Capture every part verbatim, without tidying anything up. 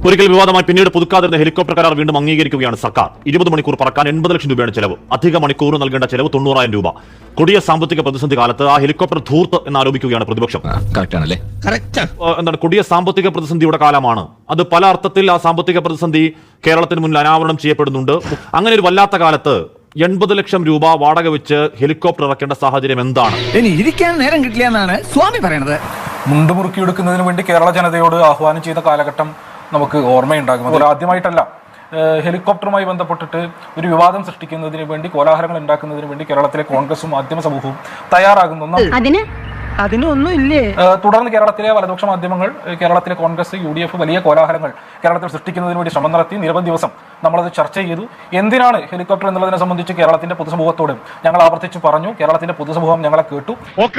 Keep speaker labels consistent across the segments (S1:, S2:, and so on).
S1: ഒരിക്കൽ വിവാദമായി പിന്നീട് പുതുക്കാതിരുന്ന ഹെലികോപ്റ്റർ കരാർ വീണ്ടും അംഗീകരിക്കുകയാണ് സർക്കാർ. ഇരുപത് മണിക്കൂർ പറക്കാൻ എൺപത് ലക്ഷം രൂപയാണ് ചെലവ്. അധിക മണിക്കൂർ നൽകേണ്ട ചെലവ് തൊണ്ണൂറായിരം രൂപ. കൊടിയ സാമ്പത്തിക പ്രതിസന്ധി കാലത്ത് ആ ഹെലികോപ്റ്റർ ധൂർത്ത് എന്ന് ആരോപിക്കുകയാണ് പ്രതിപക്ഷം. എന്താണ് കൊടിയ സാമ്പത്തിക പ്രതിസന്ധിയുടെ കാലമാണ് അത്. പല അർത്ഥത്തിൽ ആ സാമ്പത്തിക പ്രതിസന്ധി കേരളത്തിന് മുന്നിൽ അനാവരണം ചെയ്യപ്പെടുന്നുണ്ട്. അങ്ങനെ ഒരു വല്ലാത്ത കാലത്ത് എൺപത് ലക്ഷം രൂപ വാടക വെച്ച് ഹെലികോപ്റ്റർ ഇറക്കേണ്ട സാഹചര്യം എന്താണ്?
S2: ഇനി ഇരിക്കാൻ നേരം കിട്ടില്ല എന്നാണ് സ്വാമി പറയുന്നത്.
S3: മുണ്ടുമുറുക്കിയെടുക്കുന്നതിന് വേണ്ടി കേരള ജനതയോട് ആഹ്വാനം ചെയ്ത കാലഘട്ടം നമുക്ക് ഓർമ്മയുണ്ടാകും. അതിൽ ആദ്യമായിട്ടല്ല ഹെലികോപ്റ്ററുമായി ബന്ധപ്പെട്ടിട്ട് ഒരു വിവാദം സൃഷ്ടിക്കുന്നതിന് വേണ്ടി, കോലാഹലങ്ങൾ ഉണ്ടാക്കുന്നതിന് വേണ്ടി കേരളത്തിലെ കോൺഗ്രസും മാധ്യമ സമൂഹവും തയ്യാറാകുന്നു.
S2: അതിനൊന്നും ഇല്ലേ?
S3: തുടർന്ന് കേരളത്തിലെ വലതുപക്ഷ മാധ്യമങ്ങൾ, കേരളത്തിലെ കോൺഗ്രസ്, യു ഡി എഫ് വലിയ കോലാഹലങ്ങൾ കേരളത്തിൽ സൃഷ്ടിക്കുന്നതിന് വേണ്ടി ശ്രമം നടത്തി. നിരവധി ദിവസം നമ്മളത് ചർച്ച ചെയ്തു. എന്തിനാണ് ഹെലികോപ്റ്റർ എന്നുള്ളതിനെ സംബന്ധിച്ച് കേരളത്തിന്റെ പൊതുസമൂഹത്തോട് ഞങ്ങൾ ആവർത്തിച്ച് പറഞ്ഞു. കേരളത്തിന്റെ പൊതുസമൂഹം ഞങ്ങളെ കേട്ടു.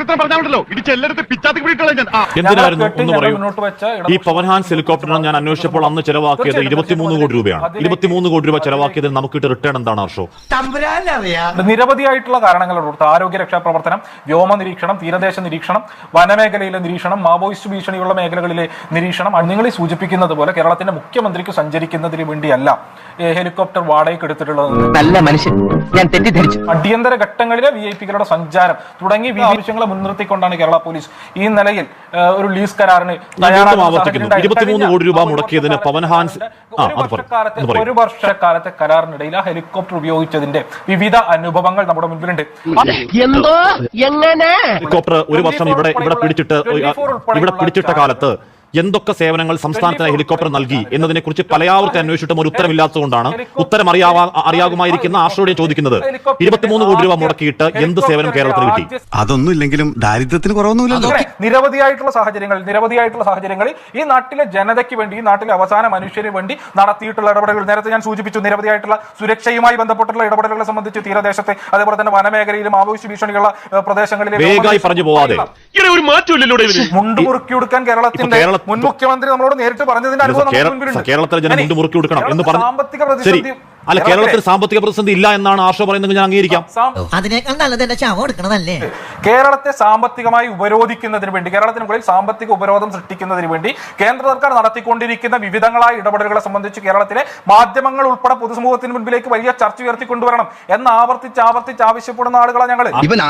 S1: മുന്നോട്ട് വെച്ച ഈ പവൻ ഹാൻസ് ഹെലികോപ്റ്ററിന് ഞാൻ അന്വേഷിച്ചപ്പോൾ അന്ന് ചെലവാക്കിയത് ഇരുപത്തിമൂന്ന് കോടി രൂപയാണ്. ഇരുപത്തിമൂന്ന് കോടി രൂപ ചെലവാക്കിയതിന് നമുക്ക് റിട്ടേൺ എന്താണ് ഹർഷോ?
S3: നിരവധിയായിട്ടുള്ള കാരണങ്ങളുണ്ട്. ആരോഗ്യ രക്ഷാ പ്രവർത്തനം, വ്യോമ നിരീക്ഷണം, തീരദേശ നിരീക്ഷണം, വനമേഖലയിലെ നിരീക്ഷണം, മാവോയിസ്റ്റ് ഭീഷണിയുള്ള മേഖലകളിലെ നിരീക്ഷണം. നിങ്ങൾ ഈ സൂചിപ്പിക്കുന്നത് പോലെ കേരളത്തിന്റെ മുഖ്യമന്ത്രിക്ക് സഞ്ചരിക്കുന്നതിന് വേണ്ടിയല്ല ഹെലികോപ്റ്റർ വാടകയ്ക്ക് എടുത്തിട്ടുള്ളത്.
S2: നല്ല മനുഷ്യൻ, ഞാൻ തെറ്റിദ്ധരിച്ചു.
S3: അടിയന്തര ഘട്ടങ്ങളിലെ വി ഐ പികളുടെ സഞ്ചാരം തുടങ്ങി ആവശ്യങ്ങളെ മുൻനിർത്തിക്കൊണ്ടാണ് കേരള പോലീസ് ഈ നിലയിൽ ഒരു ലീസ് കരാറിന്
S1: ഇരുപത്തിമൂന്ന് കോടി രൂപ മുടക്കിയതിന് പവൻ ഹാൻസ്
S3: ഒരു വർഷക്കാലത്തെ കരാറിനിടയിൽ ആ ഹെലികോപ്റ്റർ ഉപയോഗിച്ചതിന്റെ വിവിധ അനുഭവങ്ങൾ നമ്മുടെ മുൻപിലുണ്ട്.
S1: ഹെലികോപ്റ്റർ ഒരു വർഷം ഇവിടെ ഇവിടെ പിടിച്ചിട്ട് ഇവിടെ പിടിച്ചിട്ട കാലത്ത് എന്തൊക്കെ സേവനങ്ങൾ സംസ്ഥാനത്തിന് ഹെലികോപ്റ്റർ നൽകി എന്നതിനെ കുറിച്ച് പലയാവർത്തി അന്വേഷിച്ചിട്ടും ഒരു ഉത്തരമില്ലാത്തതുകൊണ്ടാണ് ഉത്തരം അറിയാവാ അറിയാകുമായിരിക്കുന്ന ആശ്രയോടെ ചോദിക്കുന്നത്. ഇരുപത്തിമൂന്ന് കോടി രൂപ മുടക്കിയിട്ട് എന്ത് സേവനം കേരളത്തിന് കിട്ടി?
S4: അതൊന്നും ഇല്ലെങ്കിലും ദാരിദ്ര്യത്തിന് കുറവൊന്നുമില്ലല്ലോ.
S3: നിരവധിയായിട്ടുള്ള സാഹചര്യങ്ങൾ നിരവധിയായിട്ടുള്ള സാഹചര്യങ്ങളിൽ ഈ നാട്ടിലെ ജനതയ്ക്ക് വേണ്ടി, ഈ നാട്ടിലെ അവസാന മനുഷ്യന് വേണ്ടി നടത്തിയിട്ടുള്ള ഇടപെടലുകൾ നേരത്തെ ഞാൻ സൂചിപ്പിച്ചു. നിരവധിയായിട്ടുള്ള സുരക്ഷയുമായി ബന്ധപ്പെട്ടുള്ള ഇടപെടലുകളെ സംബന്ധിച്ച് തീരദേശത്തെ, അതേപോലെ തന്നെ വനമേഖലയിലും മാവോയിസ്റ്റ് ഭീഷണിയുള്ള പ്രദേശങ്ങളിലെ
S1: വേഗമായി പറഞ്ഞു പോവാതെ
S3: മുണ്ടുമുറുക്കി കൊടുക്കാൻ കേരളത്തിന്റെ മുൻ മുഖ്യമന്ത്രി നമ്മളോട് നേരിട്ട് പറഞ്ഞതിന്റെ അനുഭവം
S1: കേരളത്തിലെ ജനം മുണ്ട് മുറുക്കി കൊടുക്കണം എന്ന് പറഞ്ഞു. സാമ്പത്തിക പ്രതിസന്ധി അല്ല, കേരളത്തിൽ സാമ്പത്തിക പ്രതിസന്ധി ഇല്ല എന്നാണ് ആർഷോ പറയുന്നത്. ഞാൻ അംഗീകരിക്കാം.
S3: കേരളത്തെ സാമ്പത്തികമായി ഉപരോധിക്കുന്നതിന് വേണ്ടി, കേരളത്തിന് മുകളിൽ സാമ്പത്തിക ഉപരോധം സൃഷ്ടിക്കുന്നതിന് വേണ്ടി കേന്ദ്ര സർക്കാർ നടത്തിക്കൊണ്ടിരിക്കുന്ന വിവിധങ്ങളായ ഇടപെടലുകളെ സംബന്ധിച്ച് കേരളത്തിലെ മാധ്യമങ്ങൾ ഉൾപ്പെടെ പൊതുസമൂഹത്തിന് മുൻപിലേക്ക് വലിയ ചർച്ച ഉയർത്തിക്കൊണ്ടുവരണം എന്ന് ആവർത്തിച്ച് ആവർത്തിച്ച് ആവശ്യപ്പെടുന്ന ആളുകളാണ് ഞങ്ങൾ.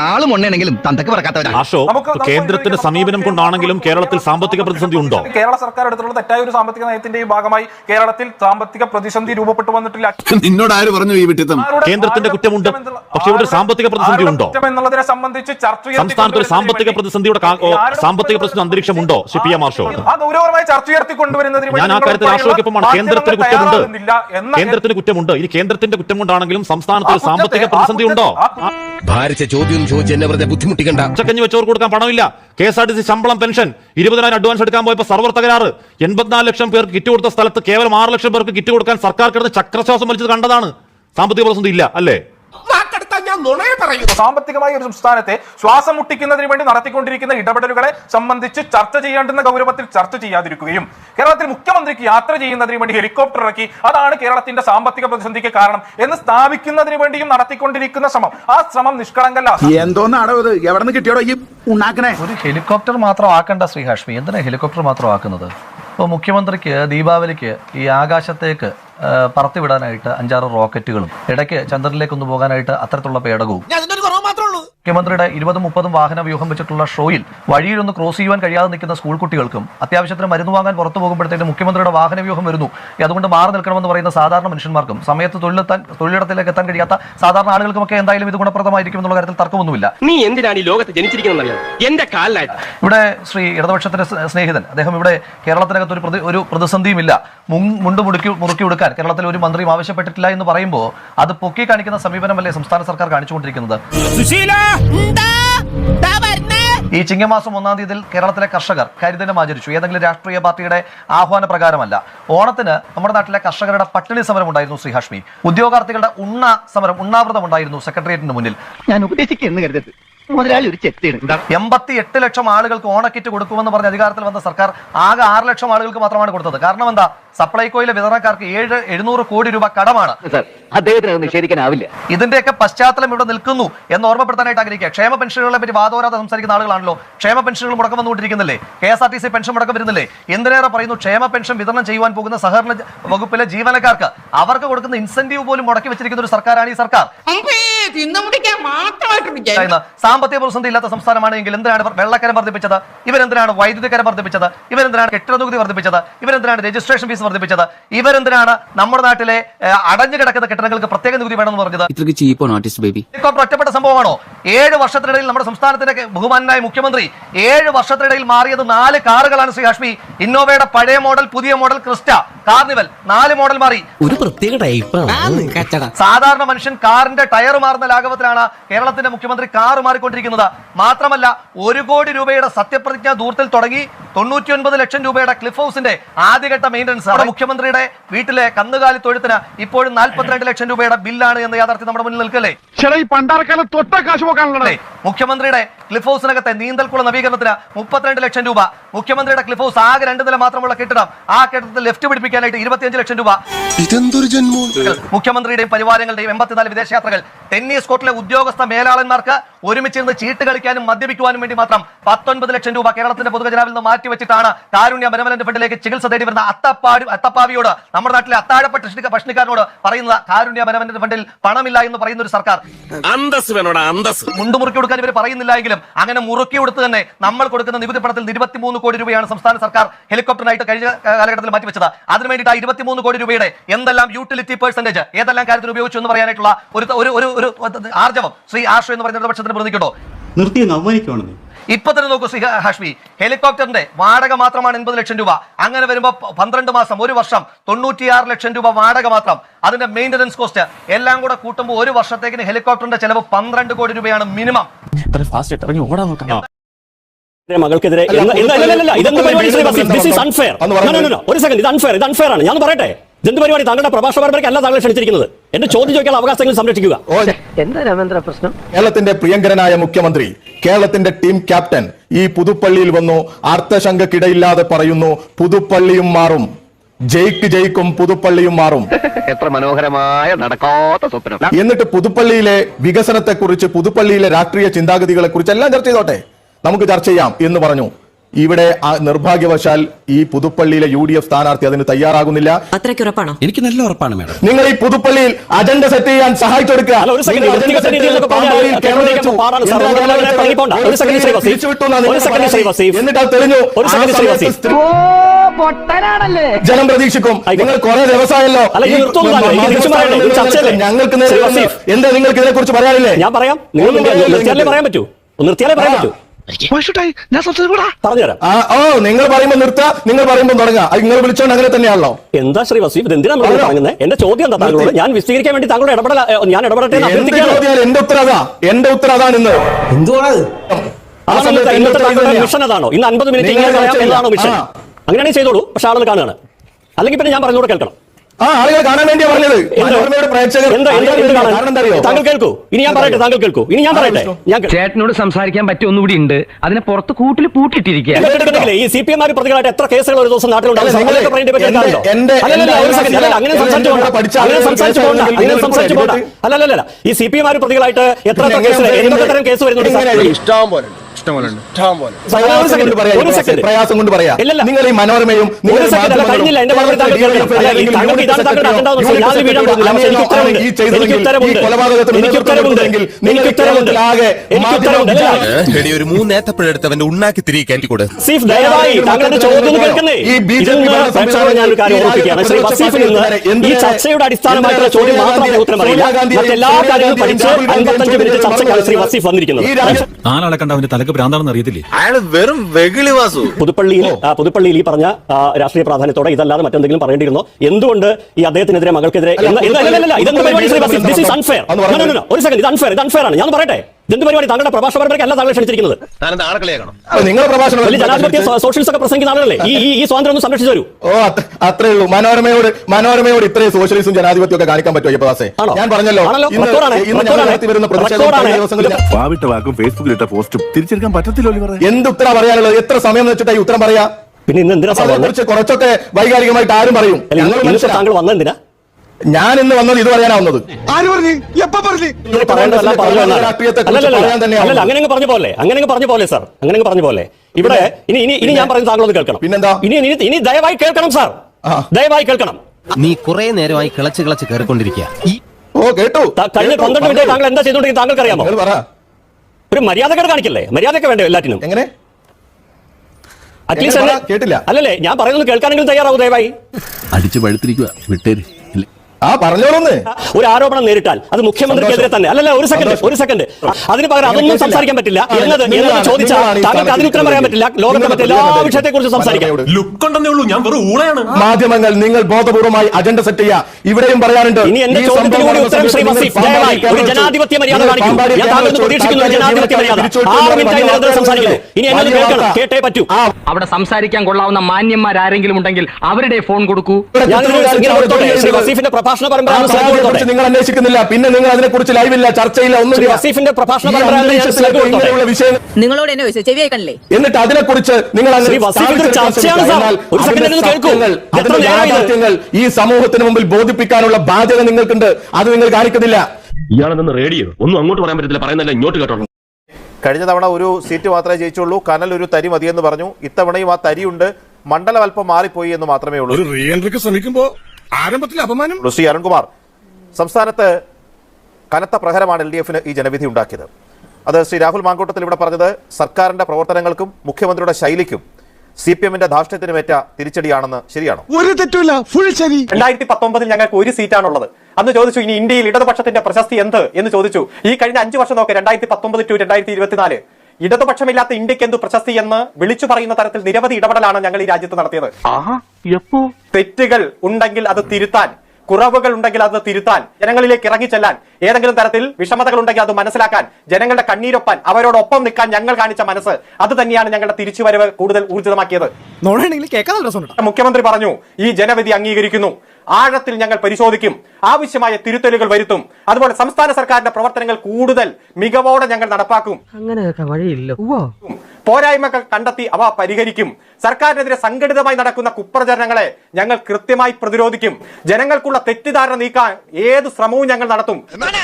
S1: ആർഷോ, കേന്ദ്രത്തിന്റെ സമീപനം കൊണ്ടാണെങ്കിലും കേരളത്തിൽ സാമ്പത്തിക പ്രതിസന്ധി ഉണ്ടോ?
S3: കേരള സർക്കാർ എടുത്തിട്ടുള്ള തെറ്റായ ഒരു സാമ്പത്തിക നയത്തിന്റെയും ഭാഗമായി കേരളത്തിൽ സാമ്പത്തിക പ്രതിസന്ധി രൂപപ്പെട്ടു വന്നിട്ടില്ല.
S4: നിന്നോട് ആര് പറഞ്ഞു ഈ വിട്ടിത്തം?
S1: കേന്ദ്രത്തിന്റെ കുറ്റമുണ്ട്, പക്ഷെ ഇവിടെ സാമ്പത്തിക പ്രതിസന്ധി ഉണ്ടോ?
S3: എന്നുള്ളതിനെ സംബന്ധിച്ച് ചർച്ച
S1: സംസ്ഥാനത്ത് ഒരു സാമ്പത്തിക പ്രതിസന്ധിയുടെ സാമ്പത്തിക പ്രശ്നം അന്തരീക്ഷം ഉണ്ടോ? സി പി എം ആർഷോ,
S3: ഗൗരവമായി ചർച്ച ഉയർത്തിക്കൊണ്ടുവരുന്നതിന്
S1: ഞാൻ ആ കാര്യത്തിൽ ആർഷോയ്ക്കൊപ്പമാണ്. കേന്ദ്രത്തിന് കുറ്റമുണ്ട്, കേന്ദ്രത്തിന് കുറ്റമുണ്ട്. ഇനി കേന്ദ്രത്തിന്റെ കുറ്റം കൊണ്ടാണെങ്കിലും സംസ്ഥാനത്ത് ഒരു സാമ്പത്തിക പ്രതിസന്ധി ഉണ്ടോ?
S4: ചോദ്യം ചോദിച്ച് എന്നെ വെറുതെ ബുദ്ധിമുട്ടിക്കണ്ട.
S1: ഉച്ചക്കഞ്ഞി വെച്ചവർക്ക് കൊടുക്കാൻ പണമില്ല. K S R T C ശമ്പളം, പെൻഷൻ, ഇരുപതിനായിരം അഡ്വാൻസ് എടുക്കാൻ പോയപ്പോൾ സർവർ തകരാറ്. എൺപത്തിനാല് ലക്ഷം പേർക്ക് കിറ്റ് കൊടുത്ത സ്ഥലത്ത് കേവലം ആറ് ലക്ഷം പേർക്ക് കിറ്റ് കൊടുക്കാൻ സർക്കാർ കിടന്ന് ചക്രശ്വാസം വലിച്ചത് കണ്ടതാണ്. സാമ്പത്തിക പ്രതിസന്ധി ഇല്ല അല്ലേ?
S3: സാമ്പത്തികമായി ഒരു സംസ്ഥാനത്തെ ശ്വാസം മുട്ടിക്കുന്നതിന് വേണ്ടി നടത്തിക്കൊണ്ടിരിക്കുന്ന ഇടപെടലുകളെ സംബന്ധിച്ച് ചർച്ച ചെയ്യേണ്ടുന്ന ഗൗരവത്തിൽ ചർച്ച ചെയ്യാതിരിക്കുകയും കേരളത്തിൽ മുഖ്യമന്ത്രിക്ക് യാത്ര ചെയ്യുന്നതിന് വേണ്ടി ഹെലികോപ്റ്റർ ഇറക്കി അതാണ് കേരളത്തിന്റെ സാമ്പത്തിക പ്രതിസന്ധിക്ക് കാരണം എന്ന് സ്ഥാപിക്കുന്നതിന് വേണ്ടിയും നടത്തിക്കൊണ്ടിരിക്കുന്ന ശ്രമം, ആ ശ്രമം നിഷ്കളങ്കല്ല.
S5: എന്തോന്നാണോ ഇത്? എവിടെ നിന്ന് കിട്ടിയോടോ ഈ ഉണ്ടാക്കണേ?
S6: ഒരു ഹെലികോപ്റ്റർ മാത്രം ആക്കണ്ട ശ്രീഹാഷ്മി, എന്തിനാ ഹെലികോപ്റ്റർ മാത്രം ആക്കുന്നത്? ഇപ്പോൾ മുഖ്യമന്ത്രിക്ക് ദീപാവലിക്ക് ഈ ആകാശത്തേക്ക് പറത്തിവിടാനായിട്ട് അഞ്ചാറ് റോക്കറ്റുകളും ഇടയ്ക്ക് ചന്ദ്രനിലേക്ക് ഒന്ന് പോകാനായിട്ട് അത്തരത്തിലുള്ള പേടകവും, മുഖ്യമന്ത്രിയുടെ ഇരുപതും മുപ്പതും വാഹന വ്യൂഹം വെച്ചിട്ടുള്ള ഷോയിൽ വഴിയിലൊന്ന് ക്രോസ് ചെയ്യുവാൻ കഴിയാതെ നിൽക്കുന്ന സ്കൂൾ കുട്ടികൾക്കും അത്യാവശ്യത്തിന് മരുന്ന് വാങ്ങാൻ പുറത്തു പോകുമ്പോഴത്തേക്കും മുഖ്യമന്ത്രിയുടെ വാഹന വ്യൂഹം വരുന്നു, അതുകൊണ്ട് മാറി നിൽക്കണമെന്ന് പറയുന്ന സാധാരണ മനുഷ്യന്മാർക്കും സമയത്ത് തൊഴിലെത്താൻ തൊഴിലിടത്തിലേക്ക് എത്താൻ കഴിയാത്ത സാധാരണ ആളുകൾക്കുമൊക്കെ എന്തായാലും ഇത് ഗുണപ്രദമായിരിക്കും എന്നുള്ള കാര്യത്തിൽ തർക്കമൊന്നുമില്ല.
S7: നീ എന്തിനാണ് ഈ ലോകത്ത് ജനിച്ചിരിക്കുന്നത്? എന്റെ കാലിലായിട്ട്
S6: ഇവിടെ ശ്രീ ഇടതുപക്ഷത്തിന്റെ സ്നേഹിതൻ അദ്ദേഹം ഇവിടെ കേരളത്തിനകത്ത് ഒരു പ്രതി ഒരു പ്രതിസന്ധിയും ഇല്ല, മുണ്ട് മുടുക്കി മുറുക്കി കൊടുക്കാൻ കേരളത്തിൽ ഒരു മന്ത്രിയും ആവശ്യപ്പെട്ടിട്ടില്ല എന്ന് പറയുമ്പോൾ അത് പൊക്കി കാണിക്കുന്ന സമീപനമല്ലേ സംസ്ഥാന സർക്കാർ കാണിച്ചുകൊണ്ടിരിക്കുന്നത്? ഈ ചിങ്ങമാസം ഒന്നാം തീയതിയിൽ കേരളത്തിലെ കർഷകർ കരിദിനം ആചരിച്ചു. ഏതെങ്കിലും രാഷ്ട്രീയ പാർട്ടിയുടെ ആഹ്വാന പ്രകാരമല്ല. ഓണത്തിന് നമ്മുടെ നാട്ടിലെ കർഷകരുടെ പട്ടിണി സമരം ഉണ്ടായിരുന്നു ശ്രീഹാഷ്മി. ഉദ്യോഗാർത്ഥികളുടെ ഉണ്ണ സമരം, ഉണ്ണാവൃതം ഉണ്ടായിരുന്നു സെക്രട്ടേറിയറ്റിന് മുന്നിൽ.
S2: ഞാൻ ഉപദേശിക്കുന്നു കരുതരുത്. മുതലാളി ഒരു ചെത്തിയാണ്.
S6: എൺപത്തി എട്ട് ലക്ഷം ആളുകൾക്ക് ഓണക്കിറ്റ് കൊടുക്കുമെന്ന് പറഞ്ഞ് അധികാരത്തിൽ വന്ന സർക്കാർ ആകെ ആറ് ലക്ഷം ആളുകൾക്ക് മാത്രമാണ് കൊടുത്തത്. കാരണം എന്താ? സപ്ലൈകോയിലെ വിതരണക്കാർക്ക് ഏഴ് എഴുന്നൂറ് കോടി രൂപ കടമാണ്.
S2: അദ്ദേഹത്തിന് നിഷേധിക്കാനാവില്ല.
S6: ഇതിന്റെയൊക്കെ പശ്ചാത്തലം ഇവിടെ നിൽക്കുന്നു എന്ന് ഓർമ്മപ്പെടുത്താനായിട്ട് ആഗ്രഹിക്കുക. ക്ഷേമ പെൻഷനുകളെ പറ്റി വാദോരാതെ സംസാരിക്കുന്ന ആളുകളാണല്ലോ. ക്ഷേമ പെൻഷനുകൾ മുടക്കം വന്നുകൊണ്ടിരിക്കുന്നില്ലേ? K S R T C pension മുടക്കം വരുന്നില്ലേ? എന്തിനേറെ പറയുന്നു, ക്ഷേമ പെൻഷൻ വിതരണം ചെയ്യുവാൻ പോകുന്ന സഹകരണ വകുപ്പിലെ ജീവനക്കാർക്ക് അവർക്ക് കൊടുക്കുന്ന ഇൻസെന്റീവ് പോലും മുടക്കി വെച്ചിരിക്കുന്ന ഒരു സർക്കാരാണ് ഈ സർക്കാർ. സാമ്പത്തിക പ്രതിസന്ധി ഇല്ലാത്ത സംസ്ഥാനമാണ് എങ്കിൽ എന്തിനാണ് വെള്ളക്കരം വർദ്ധിപ്പിച്ചത്? ഇവരെന്തിനാണ് വൈദ്യുതി കരം വർദ്ധിപ്പിച്ചത്? ഇവരെന്തിനാണ് കെട്ടിട നികുതി വർദ്ധിപ്പിച്ചത്? ഇവരെന്തിനാണ് രജിസ്ട്രേഷൻ ഫീസ് വർദ്ധിപ്പിച്ചത്? ഇവരെന്തിനാണ് നമ്മുടെ നാട്ടിലെ അടഞ്ഞു കിടക്കുന്ന കെട്ടിടങ്ങൾക്ക് പ്രത്യേക നികുതി വേണമെന്ന് പറഞ്ഞത്? ഹെലികോപ്റ്റർ ഒറ്റപ്പെട്ട സംഭവമാണോ? ഏഴ് വർഷത്തിനിടയിൽ നമ്മുടെ സംസ്ഥാനത്തിന്റെ ബഹുമാനായ മുഖ്യമന്ത്രി ഏഴ് വർഷത്തിനിടയിൽ മാറിയത് നാല് കാറുകളാണ്. ശ്രീ ഹാഷ്മി, ഇന്നോവയുടെ പഴയ മോഡൽ, പുതിയ മോഡൽ, ക്രിസ്റ്റ, കാർണിവൽ, നാല് മോഡൽ മാറി.
S8: ഒരു പ്രത്യേക
S6: സാധാരണ മനുഷ്യൻ കാറിന്റെ ടയർ മാറുന്ന ലാഘവത്തിലാണ് കേരളത്തിന്റെ മുഖ്യമന്ത്രി കാർ മാറിക്കൊണ്ടിരിക്കുന്നത്. മാത്രമല്ല, ഒരു കോടി രൂപയുടെ സത്യപ്രതിജ്ഞാ ദൂരത്തിൽ തുടങ്ങി തൊണ്ണൂറ്റി ഒൻപത് ലക്ഷം രൂപയുടെ ക്ലിഫ് ഹൗസിന്റെ ആദ്യഘട്ട മെയിൻ്റനൻസ് അവിടെ മുഖ്യമന്ത്രിയുടെ വീട്ടിലെ കന്നുകാലി തൊഴുത്തിന് ഇപ്പോഴും നാൽപ്പത്തിരണ്ട് ലക്ഷം രൂപയുടെ ബില്ലാണ് എന്ന യാഥാർത്ഥ്യം നമ്മുടെ മുന്നിൽ നിൽക്കല്ലേ? മുഖ്യമന്ത്രിയുടെ ക്ലിഫ് ഹൗസിനകത്തെ നീന്തൽക്കുള നവീകരണത്തിന് മുപ്പത്തിരണ്ട് ലക്ഷം രൂപ. മുഖ്യമന്ത്രിയുടെ ക്ലിഫ് ഹൗസ് ആകെ രണ്ട് നില മാത്രമുള്ള കെട്ടിടം, ആ കെട്ടിടത്തിൽ ലെഫ്റ്റ് പിടിപ്പിക്കാനായിട്ട് ഇരുപത്തിയഞ്ച് ലക്ഷം രൂപ.
S4: ഇതെന്തൊരു ജന്മം!
S6: മുഖ്യമന്ത്രിയുടെയും പരിവാരങ്ങളുടെയും എൺപത്തിനാല് വിദേശയാത്രകൾ, ടെന്നീസ് കോർട്ടിലെ ഉദ്യോഗസ്ഥ മേലാളന്മാർക്ക് ഒരുമിച്ചിരുന്ന് ചീട്ട് കളിക്കാനും മദ്യപിക്കുവാനും വേണ്ടി മാത്രം പത്തൊൻപത് ലക്ഷം രൂപ കേരളത്തിന്റെ പൊതുഖജനാവിൽ നിന്ന് മാറ്റിവെച്ചിട്ടാണ് കാരുണ്യ ബെനവലന്റ് ഫണ്ടിലേക്ക് ചികിത്സ തേടി വരുന്ന അത്തപ്പാടി അത്തപ്പാവിയോട്, നമ്മുടെ നാട്ടിലെ അത്താഴപ്പെട്ട ഭക്ഷണിക്കാരനോട് പറയുന്നത് കാരുണ്യ ബെനവലന്റ് ഫണ്ടിൽ പണമില്ല എന്ന് പറയുന്ന ഒരു സർക്കാർ. മുണ്ടു മുറുക്കി കൊടുക്കാൻ ഇവർ പറയുന്നില്ല എങ്കിലും അങ്ങനെ മുറുക്കി കൊടുത്ത് തന്നെ നമ്മൾ കൊടുക്കുന്ന നികുതി പണത്തിൽ ഇരുപത്തിമൂന്ന് കോടി രൂപയാണ് സംസ്ഥാന സർക്കാർ ഹെലികോപ്റ്ററിനായിട്ട് കഴിഞ്ഞ കാലഘട്ടത്തിൽ മാറ്റിവെച്ചത്. അതിനു വേണ്ടിയിട്ട് ആ ഇരുപത്തിമൂന്ന് കോടി രൂപയുടെ എന്തെല്ലാം യൂട്ടിലിറ്റി പെർസെന്റേജ് ഏതെല്ലാം കാര്യത്തിൽ ഉപയോഗിച്ചു എന്ന് പറയാനായിട്ടുള്ള ഒരു ഒരു ഒരു ആർജവം ശ്രീ ആഷു എന്ന് പറയുന്ന പക്ഷത്തിന് പ്രതിക്കട്ടോ ഇപ്പൊ തന്നെ നോക്കൂ ശ്രീ ഹാഷ്മി, ഹെലികോപ്റ്ററിന്റെ വാടക മാത്രമാണ് എൺപത് ലക്ഷം രൂപ. അങ്ങനെ വരുമ്പോൾ പന്ത്രണ്ട് മാസം ഒരു വർഷം തൊണ്ണൂറ്റിയാറ് ലക്ഷം രൂപ വാടക മാത്രം. അതിന്റെ മെയിന്റനൻസ് കോസ്റ്റ് എല്ലാം കൂടെ കൂട്ടുമ്പോൾ ഒരു വർഷത്തേക്ക് ഹെലികോപ്റ്ററിന്റെ ചെലവ് പന്ത്രണ്ട് കോടി രൂപയാണ് മിനിമം.
S7: മകൾക്കെതിരെ ഒരു സെക്കൻഡ്, ഇത് അൺഫെയർ ഇത് അൺഫെയർ ആണ്. ഞാൻ പറയട്ടെ, ഇതെന്ത് പരിപാടി? താങ്കളുടെ പ്രഭാഷണ പരമ്പരയ്ക്ക് അല്ല താങ്കൾ ക്ഷണിച്ചിരിക്കുന്നത്. എന്റെ ചോദ്യം ചോദിക്കാൻ അവകാശങ്ങൾ സംരക്ഷിക്കുക.
S2: എന്താ രാമേന്ദ്ര പ്രശ്നം?
S9: കേരളത്തിന്റെ പ്രിയങ്കരനായ മുഖ്യമന്ത്രി, കേരളത്തിന്റെ ടീം ക്യാപ്റ്റൻ ഈ പുതുപ്പള്ളിയിൽ വന്നു അർത്ഥശങ്കക്കിടയില്ലാതെ പറയുന്നു, പുതുപ്പള്ളിയും മാറും, ജയിക്ക് ജയിക്കും, പുതുപ്പള്ളിയും മാറും.
S2: എത്ര മനോഹരമായ നടക്കാത്ത സ്വപ്നം.
S9: എന്നിട്ട് പുതുപ്പള്ളിയിലെ വികസനത്തെക്കുറിച്ച്, പുതുപ്പള്ളിയിലെ രാഷ്ട്രീയ ചിന്താഗതികളെ കുറിച്ച് എല്ലാം ചർച്ച ചെയ്തോട്ടെ, നമുക്ക് ചർച്ച ചെയ്യാം എന്ന് പറഞ്ഞു. ഇവിടെ നിർഭാഗ്യവശാൽ ഈ പുതുപ്പള്ളിയിലെ യു ഡി എഫ് സ്ഥാനാർത്ഥി അതിന് തയ്യാറാകുന്നില്ല.
S8: അത്രയ്ക്കുറപ്പാണോ? എനിക്ക് നല്ല ഉറപ്പാണ് മാഡം.
S9: നിങ്ങൾ ഈ പുതുപ്പള്ളിയിൽ അജണ്ട സെറ്റ് ചെയ്യാൻ സഹായിച്ചെടുക്കുക. എന്നിട്ട് അത് തെളിഞ്ഞു, ജനം പ്രതീക്ഷിക്കും. നിങ്ങൾ കുറെ ദിവസമായല്ലോ ഞങ്ങൾക്ക് എന്താ നിങ്ങൾക്ക് ഇതിനെ കുറിച്ച് പറയാനില്ലേ?
S7: ഞാൻ പറയാം, പറയാൻ പറ്റൂ, നിർത്തിയാലേ പറയാൻ പറ്റൂ.
S9: ഓ, നിങ്ങൾ പറയുമ്പോ നിർത്താ, നിങ്ങൾ പറയുമ്പോ തുടങ്ങാ. നിങ്ങൾ വിളിച്ചോണ്ട് അങ്ങനെ തന്നെയാണല്ലോ.
S7: എന്താ ശ്രീ വസീഫ്, ഇത് എന്തിനാണ് പറയുന്നത്? എന്റെ ചോദ്യം എന്താ താങ്കളോട്? ഞാൻ വിശദീകരിക്കാൻ വേണ്ടി താങ്കളുടെ ഇടപെടൽ ഞാൻ ഇടപെടട്ടെ.
S9: എന്റെ ഉത്തരം അതാ, എന്റെ ഉത്തരം അതാണ്. ഇന്ന്
S7: ഇന്നത്തെ താങ്കളുടെ മിഷൻ അതാണോ? ഇന്ന് അൻപത് മിനിറ്റ് എന്നതാണോ മിഷൻ? അങ്ങനെയാണെങ്കിൽ ചെയ്തോളൂ, പക്ഷെ ആളുകൾ കാണുകയാണ്. അല്ലെങ്കിൽ പിന്നെ ഞാൻ പറഞ്ഞോട് കേൾക്കണം.
S9: ആ ആളുകൾ കാണാൻ വേണ്ടിയാ പറഞ്ഞത്.
S7: താങ്കൾ കേൾക്കൂ, ഇനി ഞാൻ പറയട്ടെ. താങ്കൾ കേൾക്കൂ, ഇനി ഞാൻ പറയട്ടെ. ഞാൻ
S2: ചേട്ടനോട് സംസാരിക്കാൻ പറ്റിയ ഒന്നുകൂടി ഉണ്ട്. അതിനെ പുറത്ത് കൂട്ടിൽ പൂട്ടിയിട്ടിരിക്കുക.
S7: ഈ സി പി എം പ്രതികളായിട്ട് എത്ര കേസുകൾ ഒരു ദിവസം നാട്ടിലുണ്ടാവും? അല്ലല്ല, ഈ സി പി എം പ്രതികളായിട്ട് എത്ര കേസ്, എന്തൊക്കെ തരം കേസ് വരുന്നുണ്ട്?
S9: പ്രയാസം കൊണ്ട് പറയാം. നിങ്ങൾ ഈ മനോരമയും
S7: കഴിഞ്ഞില്ല എന്റെ മറുപടി താങ്കൾ
S4: ഒരു മൂന്നേത്തപ്പഴെടുത്തവന്റെ ഉണ്ണാക്കി തിരികെ കയറ്റിക്കൂടെ?
S7: ദയവായി താങ്കളുടെ ചോദ്യം കേൾക്കുന്നേ. ഞാനൊരു കാര്യം ഓർമ്മിപ്പിക്കുകയാണ്. ശ്രീ വസീഫിൽ നിന്ന് ഈ ചർച്ചയുടെ അടിസ്ഥാനമായിട്ടുള്ള ചോദ്യം മാത്രമേ ഉത്തരം പറയില്ല. മറ്റെല്ലാ കാര്യങ്ങളും പഠിച്ച് അൻപത്തഞ്ച് മിനിറ്റ് ചർച്ചയ്ക്കാണ് ശ്രീ വസീഫ് വന്നിരിക്കുന്നത്.
S10: ആളെ കണ്ട അവന്റെ തലക്ക് ഭ്രാന്താണെന്ന് അറിയത്തില്ലേ?
S4: അയാൾ വെറും വെകിളി വാസു.
S7: പുതുപ്പള്ളിയിൽ പുതുപ്പള്ളിയിൽ ഈ പറഞ്ഞ രാഷ്ട്രീയ പ്രാധാന്യത്തോടെ ഇതല്ലാതെ മറ്റെന്തെങ്കിലും പറയേണ്ടിയിരുന്നോ? എന്തുകൊണ്ട് ഈ അദ്ദേഹത്തിനെതിരെ, മകൾക്കെതിരെ? ഒരു സെക്കൻഡ്, ഇത് അൺഫെയർ ഇത് അൺഫെയർ ആണ്. ഞാൻ പറയട്ടെ, ഇതെന്ത് പരിപാടി? താങ്കളുടെ പ്രഭാഷണ പരമ്പരയ്ക്ക് അല്ല താങ്കൾ ക്ഷണിച്ചിരിക്കുന്നത്.
S9: നിങ്ങളുടെ പ്രഭാഷണം
S7: വലിയ ജനാധിപത്യ സോഷ്യലിസ്റ്റ് ഒക്കെ പ്രസംഗിക്കുന്ന ആളുകളല്ലേ ഈ ഈ- ഈ സ്വാതന്ത്ര്യം ഒന്ന് സംരക്ഷിച്ചു തരൂ.
S9: ഓ അത്- അത്രേ ഉള്ളൂ. മനോരമയോട് മനോരമയോട് ഇത്രയും സോഷ്യലിസ്റ്റും ജനാധിപത്യം ഒക്കെ കാണിക്കാൻ പറ്റുമോ പ്രവാസേ?
S7: ആണോ?
S9: ഞാൻ പറഞ്ഞല്ലോ
S7: ആണല്ലോ.
S9: ഇന്ന്
S7: റെക്കോർഡാണ്.
S9: ഇന്ന് ഞങ്ങൾ
S7: റെക്കോർഡാണ്.
S9: നടത്തി വരുന്ന പ്രതിഷേധം
S7: റെക്കോർഡാണ്.
S9: കഴിഞ്ഞ ദിവസങ്ങളിൽ ഞാൻ-
S10: പാവിട്ട വാക്കും ഫേസ്ബുക്കിലിട്ട പോസ്റ്റും തിരിച്ചെടുക്കാൻ പറ്റത്തില്ലോ?
S9: എന്ത് ഉത്തരം പറയാനുള്ളത്? എത്ര സമയം വെച്ചിട്ടായി ഉത്തരം പറയാ?
S7: പിന്നെ ഇന്ന് എന്തിനാ സാർ വന്നത്?
S9: അതിനെക്കുറിച്ച് കുറച്ചൊക്കെ വൈകാരികമായിട്ട് ആരും പറയും.
S7: അല്ല,
S9: ഞങ്ങൾ
S7: ഇന്നിപ്പോ
S9: മനുഷ്യരാ.
S7: താങ്കൾ വന്നത് എന്തിനാ?
S9: ഞാൻ ഇന്ന് വന്നത് ഇത് പറയാനാ വന്നത്.
S5: ആര് പറഞ്ഞു എപ്പ പറഞ്ഞു
S7: ഇത് പറയേണ്ടതെല്ലാം പറഞ്ഞു എന്നാണ്.
S9: രാഷ്ട്രീയത്തെക്കുറിച്ച്
S7: അല്ലല്ലല്ല.
S9: പറയാൻ തന്നെയാണ്
S7: അല്ലല്ല, അങ്ങനെ അങ്ങ് പറഞ്ഞ പോലെ അങ്ങനെ അങ്ങ് പറഞ്ഞ പോലെ സാർ അങ്ങനെ അങ്ങ് പറഞ്ഞ പോലെ ഇവിടെ ഇനി ഇനി ഇനി ഞാൻ പറയുന്നത് താങ്കൾ ഒന്ന് കേൾക്കണം.
S9: പിന്നെന്താ?
S7: ഇനി ഇനി ഇനി ദയവായി കേൾക്കണം സാർ,
S9: ആ.
S7: ദയവായി കേൾക്കണം.
S8: നീ കുറെ നേരമായി കിളച്ച് കിളച്ച് കയറിക്കൊണ്ടിരിക്കുക.
S9: ഓ കേട്ടു.
S7: ത- കഴിഞ്ഞ
S9: കേട്ടു.
S7: പന്ത്രണ്ട് മിനിറ്റ് താങ്കൾ എന്താ ചെയ്തോണ്ടെങ്കിൽ താങ്കൾക്ക് അറിയാമോ?
S9: നിങ്ങൾ പറ.
S7: ഒരു മര്യാദക്കേട് കാണിക്കല്ലേ? മര്യാദയൊക്കെ വേണ്ടേ എല്ലാറ്റിനും?
S9: എങ്ങനെ?
S7: അറ്റ്ലീസ്റ്റ്
S9: എങ്ങനെ പറ? കേട്ടില്ല.
S7: അല്ലല്ലേ, ഞാൻ പറയുന്നത് കേൾക്കാനെങ്കിലും തയ്യാറാവും ദയവായി.
S10: അടിച്ചു പഴുത്തിരിക്കുക വിട്ടേര്.
S9: ആ പറഞ്ഞോളൂന്ന്.
S7: ഒരു ആരോപണം നേരിട്ടാൽ അത് മുഖ്യമന്ത്രിക്കെതിരെ തന്നെ. അല്ലല്ല, ഒരു സെക്കൻഡ് ഒരു സെക്കൻഡ് അതിന് പകരം അതൊന്നും സംസാരിക്കാൻ പറ്റില്ല എന്നത് എന്നത് ചോദിച്ചാൽ താങ്കൾക്ക് അതിന് ഉത്തരം പറയാൻ പറ്റില്ല. ലോകത്തെ മറ്റെല്ലാ വിഷയത്തെ കുറിച്ച് സംസാരിക്കാം.
S10: ലുക്ക് ഉണ്ടെന്നേ ഉള്ളൂ, ഞാൻ വെറും ഊളയാണ്.
S9: മാധ്യമങ്ങൾ നിങ്ങൾ ബോധപൂർവമായി അജണ്ട സെറ്റ് ചെയ്യുക. ഇവിടെയും പറയാനുണ്ട്.
S7: ഇനി എന്റെ
S9: ഈ
S7: ചോദ്യത്തിന്
S9: സംഭവം
S7: കൂടി ഉത്തരം ശ്രീ
S9: നിങ്ങൾ
S7: വസീഫ്
S9: പാമ്പാടി
S7: ദയവായി ഒരു
S9: കേരളം
S7: ജനാധിപത്യ മര്യാദ
S9: നിങ്ങൾ
S7: കാണിക്കൂ.
S9: പാമ്പാടി
S7: ഞാൻ താങ്കൾ
S9: കേരളം
S7: പ്രതീക്ഷിക്കുന്ന ഒരു
S9: ചോദിച്ചു.
S7: ജനാധിപത്യ മര്യാദ
S9: തിരിച്ചു
S7: ആറ്
S9: കൊടുക്കുന്ന
S7: മിനിറ്റായി
S9: വലിയ
S7: നിരന്തരം
S9: വാർത്ത
S7: സംസാരിക്കുന്നു. ഇനി എന്നത്
S9: വലിയ
S7: കേൾക്കണം,
S9: വാർത്ത.
S7: കേട്ടേ പറ്റൂ.
S2: അവിടെ സംസാരിക്കാൻ കൊള്ളാവുന്ന മാന്യന്മാരാരെങ്കിലും ഉണ്ടെങ്കിൽ അവരുടെ ഫോൺ കൊടുക്കൂ.
S7: ഞാൻ ഇതിന് ഇങ്ങനെ കൊടുത്തോട്ടെ? ശ്രീ വസീഫിന്റെ പ്രഭാഷണ പരമ്പര ഒന്ന് ശ്രദ്ധ കൊടുത്തോട്ടെ?
S9: നിങ്ങൾ അന്വേഷിക്കുന്നില്ല. പിന്നെ നിങ്ങൾ അതിനെക്കുറിച്ച് ലൈവില്ല, ചർച്ചയില്ല,
S7: ശ്രീ
S9: ഒന്നുമില്ല.
S7: വസീഫിന്റെ പ്രഭാഷണ
S9: ഈ
S7: പരമ്പര ഞാൻ ശ്രദ്ധ കൊടുത്തോട്ടെ?
S9: ഇങ്ങനെയുള്ള വിഷയങ്ങൾ
S11: നിങ്ങളോട് എന്നെ ചോദിച്ചത് ചെവി കേൾക്കണില്ലേ?
S9: എന്നിട്ട് അതിനെക്കുറിച്ച് നിങ്ങൾ അങ്ങ്
S7: ശ്രീ വസീഫ്, ഇതൊരു
S9: സ്ഥാപിച്ചെടുക്കാൻ
S7: ചർച്ചയാണ് സാർ.
S9: ശ്രമിക്കുക.
S7: ഒരു
S9: എന്നാൽ
S7: സെക്കൻഡ്
S9: അതിന്റെ
S7: ഒന്ന് കേൾക്കൂ.
S9: സത്യങ്ങൾ,
S7: എത്ര
S9: അതിന്റെ
S7: നേരമായി ഇത്?
S9: യാഥാർത്ഥ്യങ്ങൾ ഈ സമൂഹത്തിന് മുമ്പിൽ ബോധിപ്പിക്കാനുള്ള ബാധ്യത നിങ്ങൾക്കുണ്ട്. അത് നിങ്ങൾ കാണിക്കുന്നില്ല.
S10: ഇയാളെന്ന് റേഡിയോ ഒന്നും അങ്ങോട്ട് പറയാൻ പറ്റത്തില്ല, പറയുന്നല്ല ഇങ്ങോട്ട് കേട്ടോളൂ.
S12: കഴിഞ്ഞ തവണ ഒരു സീറ്റ് മാത്രമേ ജയിച്ചുള്ളൂ. കനൽ ഒരു തരി മതിയെന്ന് പറഞ്ഞു. ഇത്തവണയും ആ തരിയുണ്ട്. മണ്ഡലം അല്പം മാറിപ്പോയി എന്ന് മാത്രമേ ഉള്ളൂ.
S5: ഒരു റീ എൻട്രിക്ക് ശ്രമിക്കുമ്പോ ആരംഭത്തിൽ അപമാനം.
S12: ശ്രീ അരുൺകുമാർ, സംസ്ഥാനത്ത് കനത്ത പ്രഹരമാണ് എൽ ഡി എഫിന് ഈ ജനവിധി ഉണ്ടാക്കിയത്. അത് ശ്രീ രാഹുൽ മാങ്കൂട്ടത്തിൽ ഇവിടെ പറഞ്ഞത് സർക്കാരിന്റെ പ്രവർത്തനങ്ങൾക്കും മുഖ്യമന്ത്രിയുടെ ശൈലിക്കും സി പി എമ്മിന്റെ ധാർഷ്ട്യത്തിനുമേറ്റ തിരിച്ചടിയാണെന്ന് ശരിയാണോ?
S5: ഒരു തെറ്റുമില്ല, ഫുൾ ശരി.
S12: രണ്ടായിരത്തി പത്തൊമ്പതിൽ ഞങ്ങൾക്ക് ഒരു സീറ്റാണുള്ളത്. അന്ന് ചോദിച്ചു ഇനി ഇന്ത്യയിൽ ഇടതുപക്ഷത്തിന്റെ പ്രശസ്തി എന്ത് എന്ന് ചോദിച്ചു. ഈ കഴിഞ്ഞ അഞ്ചു വർഷം നോക്കുക, രണ്ടായിരത്തി പത്തൊമ്പത് ടു രണ്ടായിരത്തി ഇരുപത്തിനാല് ഇടതുപക്ഷമില്ലാത്ത ഇന്ത്യക്ക് എന്തു പ്രശസ്തി എന്ന് വിളിച്ചു പറയുന്ന തരത്തിൽ നിരവധി ഇടപെടലാണ് ഞങ്ങൾ ഈ രാജ്യത്ത് നടത്തിയത്. തെറ്റുകൾ ഉണ്ടെങ്കിൽ അത് തിരുത്താൻ, കുറവുകൾ ഉണ്ടെങ്കിൽ അത് തിരുത്താൻ, ജനങ്ങളിലേക്ക് ഇറങ്ങിച്ചെല്ലാൻ, ഏതെങ്കിലും തരത്തിൽ വിഷമതകൾ ഉണ്ടെങ്കിൽ അത് മനസ്സിലാക്കാൻ, ജനങ്ങളുടെ കണ്ണീരൊപ്പാൻ, അവരോടൊപ്പം നിൽക്കാൻ ഞങ്ങൾ കാണിച്ച മനസ്സ്, അത് തന്നെയാണ് ഞങ്ങളുടെ തിരിച്ചുവരവ് കൂടുതൽ ഊർജിതമാക്കിയത്. മുഖ്യമന്ത്രി പറഞ്ഞു ഈ ജനവിധി അംഗീകരിക്കുന്നു, ആഴത്തിൽ ഞങ്ങൾ പരിശോധിക്കും, ആവശ്യമായ തിരുത്തലുകൾ വരുത്തും, അതുപോലെ സംസ്ഥാന സർക്കാരിന്റെ പ്രവർത്തനങ്ങൾ കൂടുതൽ മികവോടെ ഞങ്ങൾ നടപ്പാക്കും,
S2: അങ്ങനെയൊക്കെ വഴിയില്ല.
S12: പോരായ്മകൾ കണ്ടെത്തി അവ പരിഹരിക്കും, സർക്കാരിനെതിരെ സംഘടിതമായി നടക്കുന്ന കുപ്രചരണങ്ങളെ ഞങ്ങൾ കൃത്യമായി പ്രതിരോധിക്കും, ജനങ്ങൾക്കുള്ള തെറ്റിദ്ധാരണ നീക്കാൻ ഏത് ശ്രമവും ഞങ്ങൾ നടത്തും.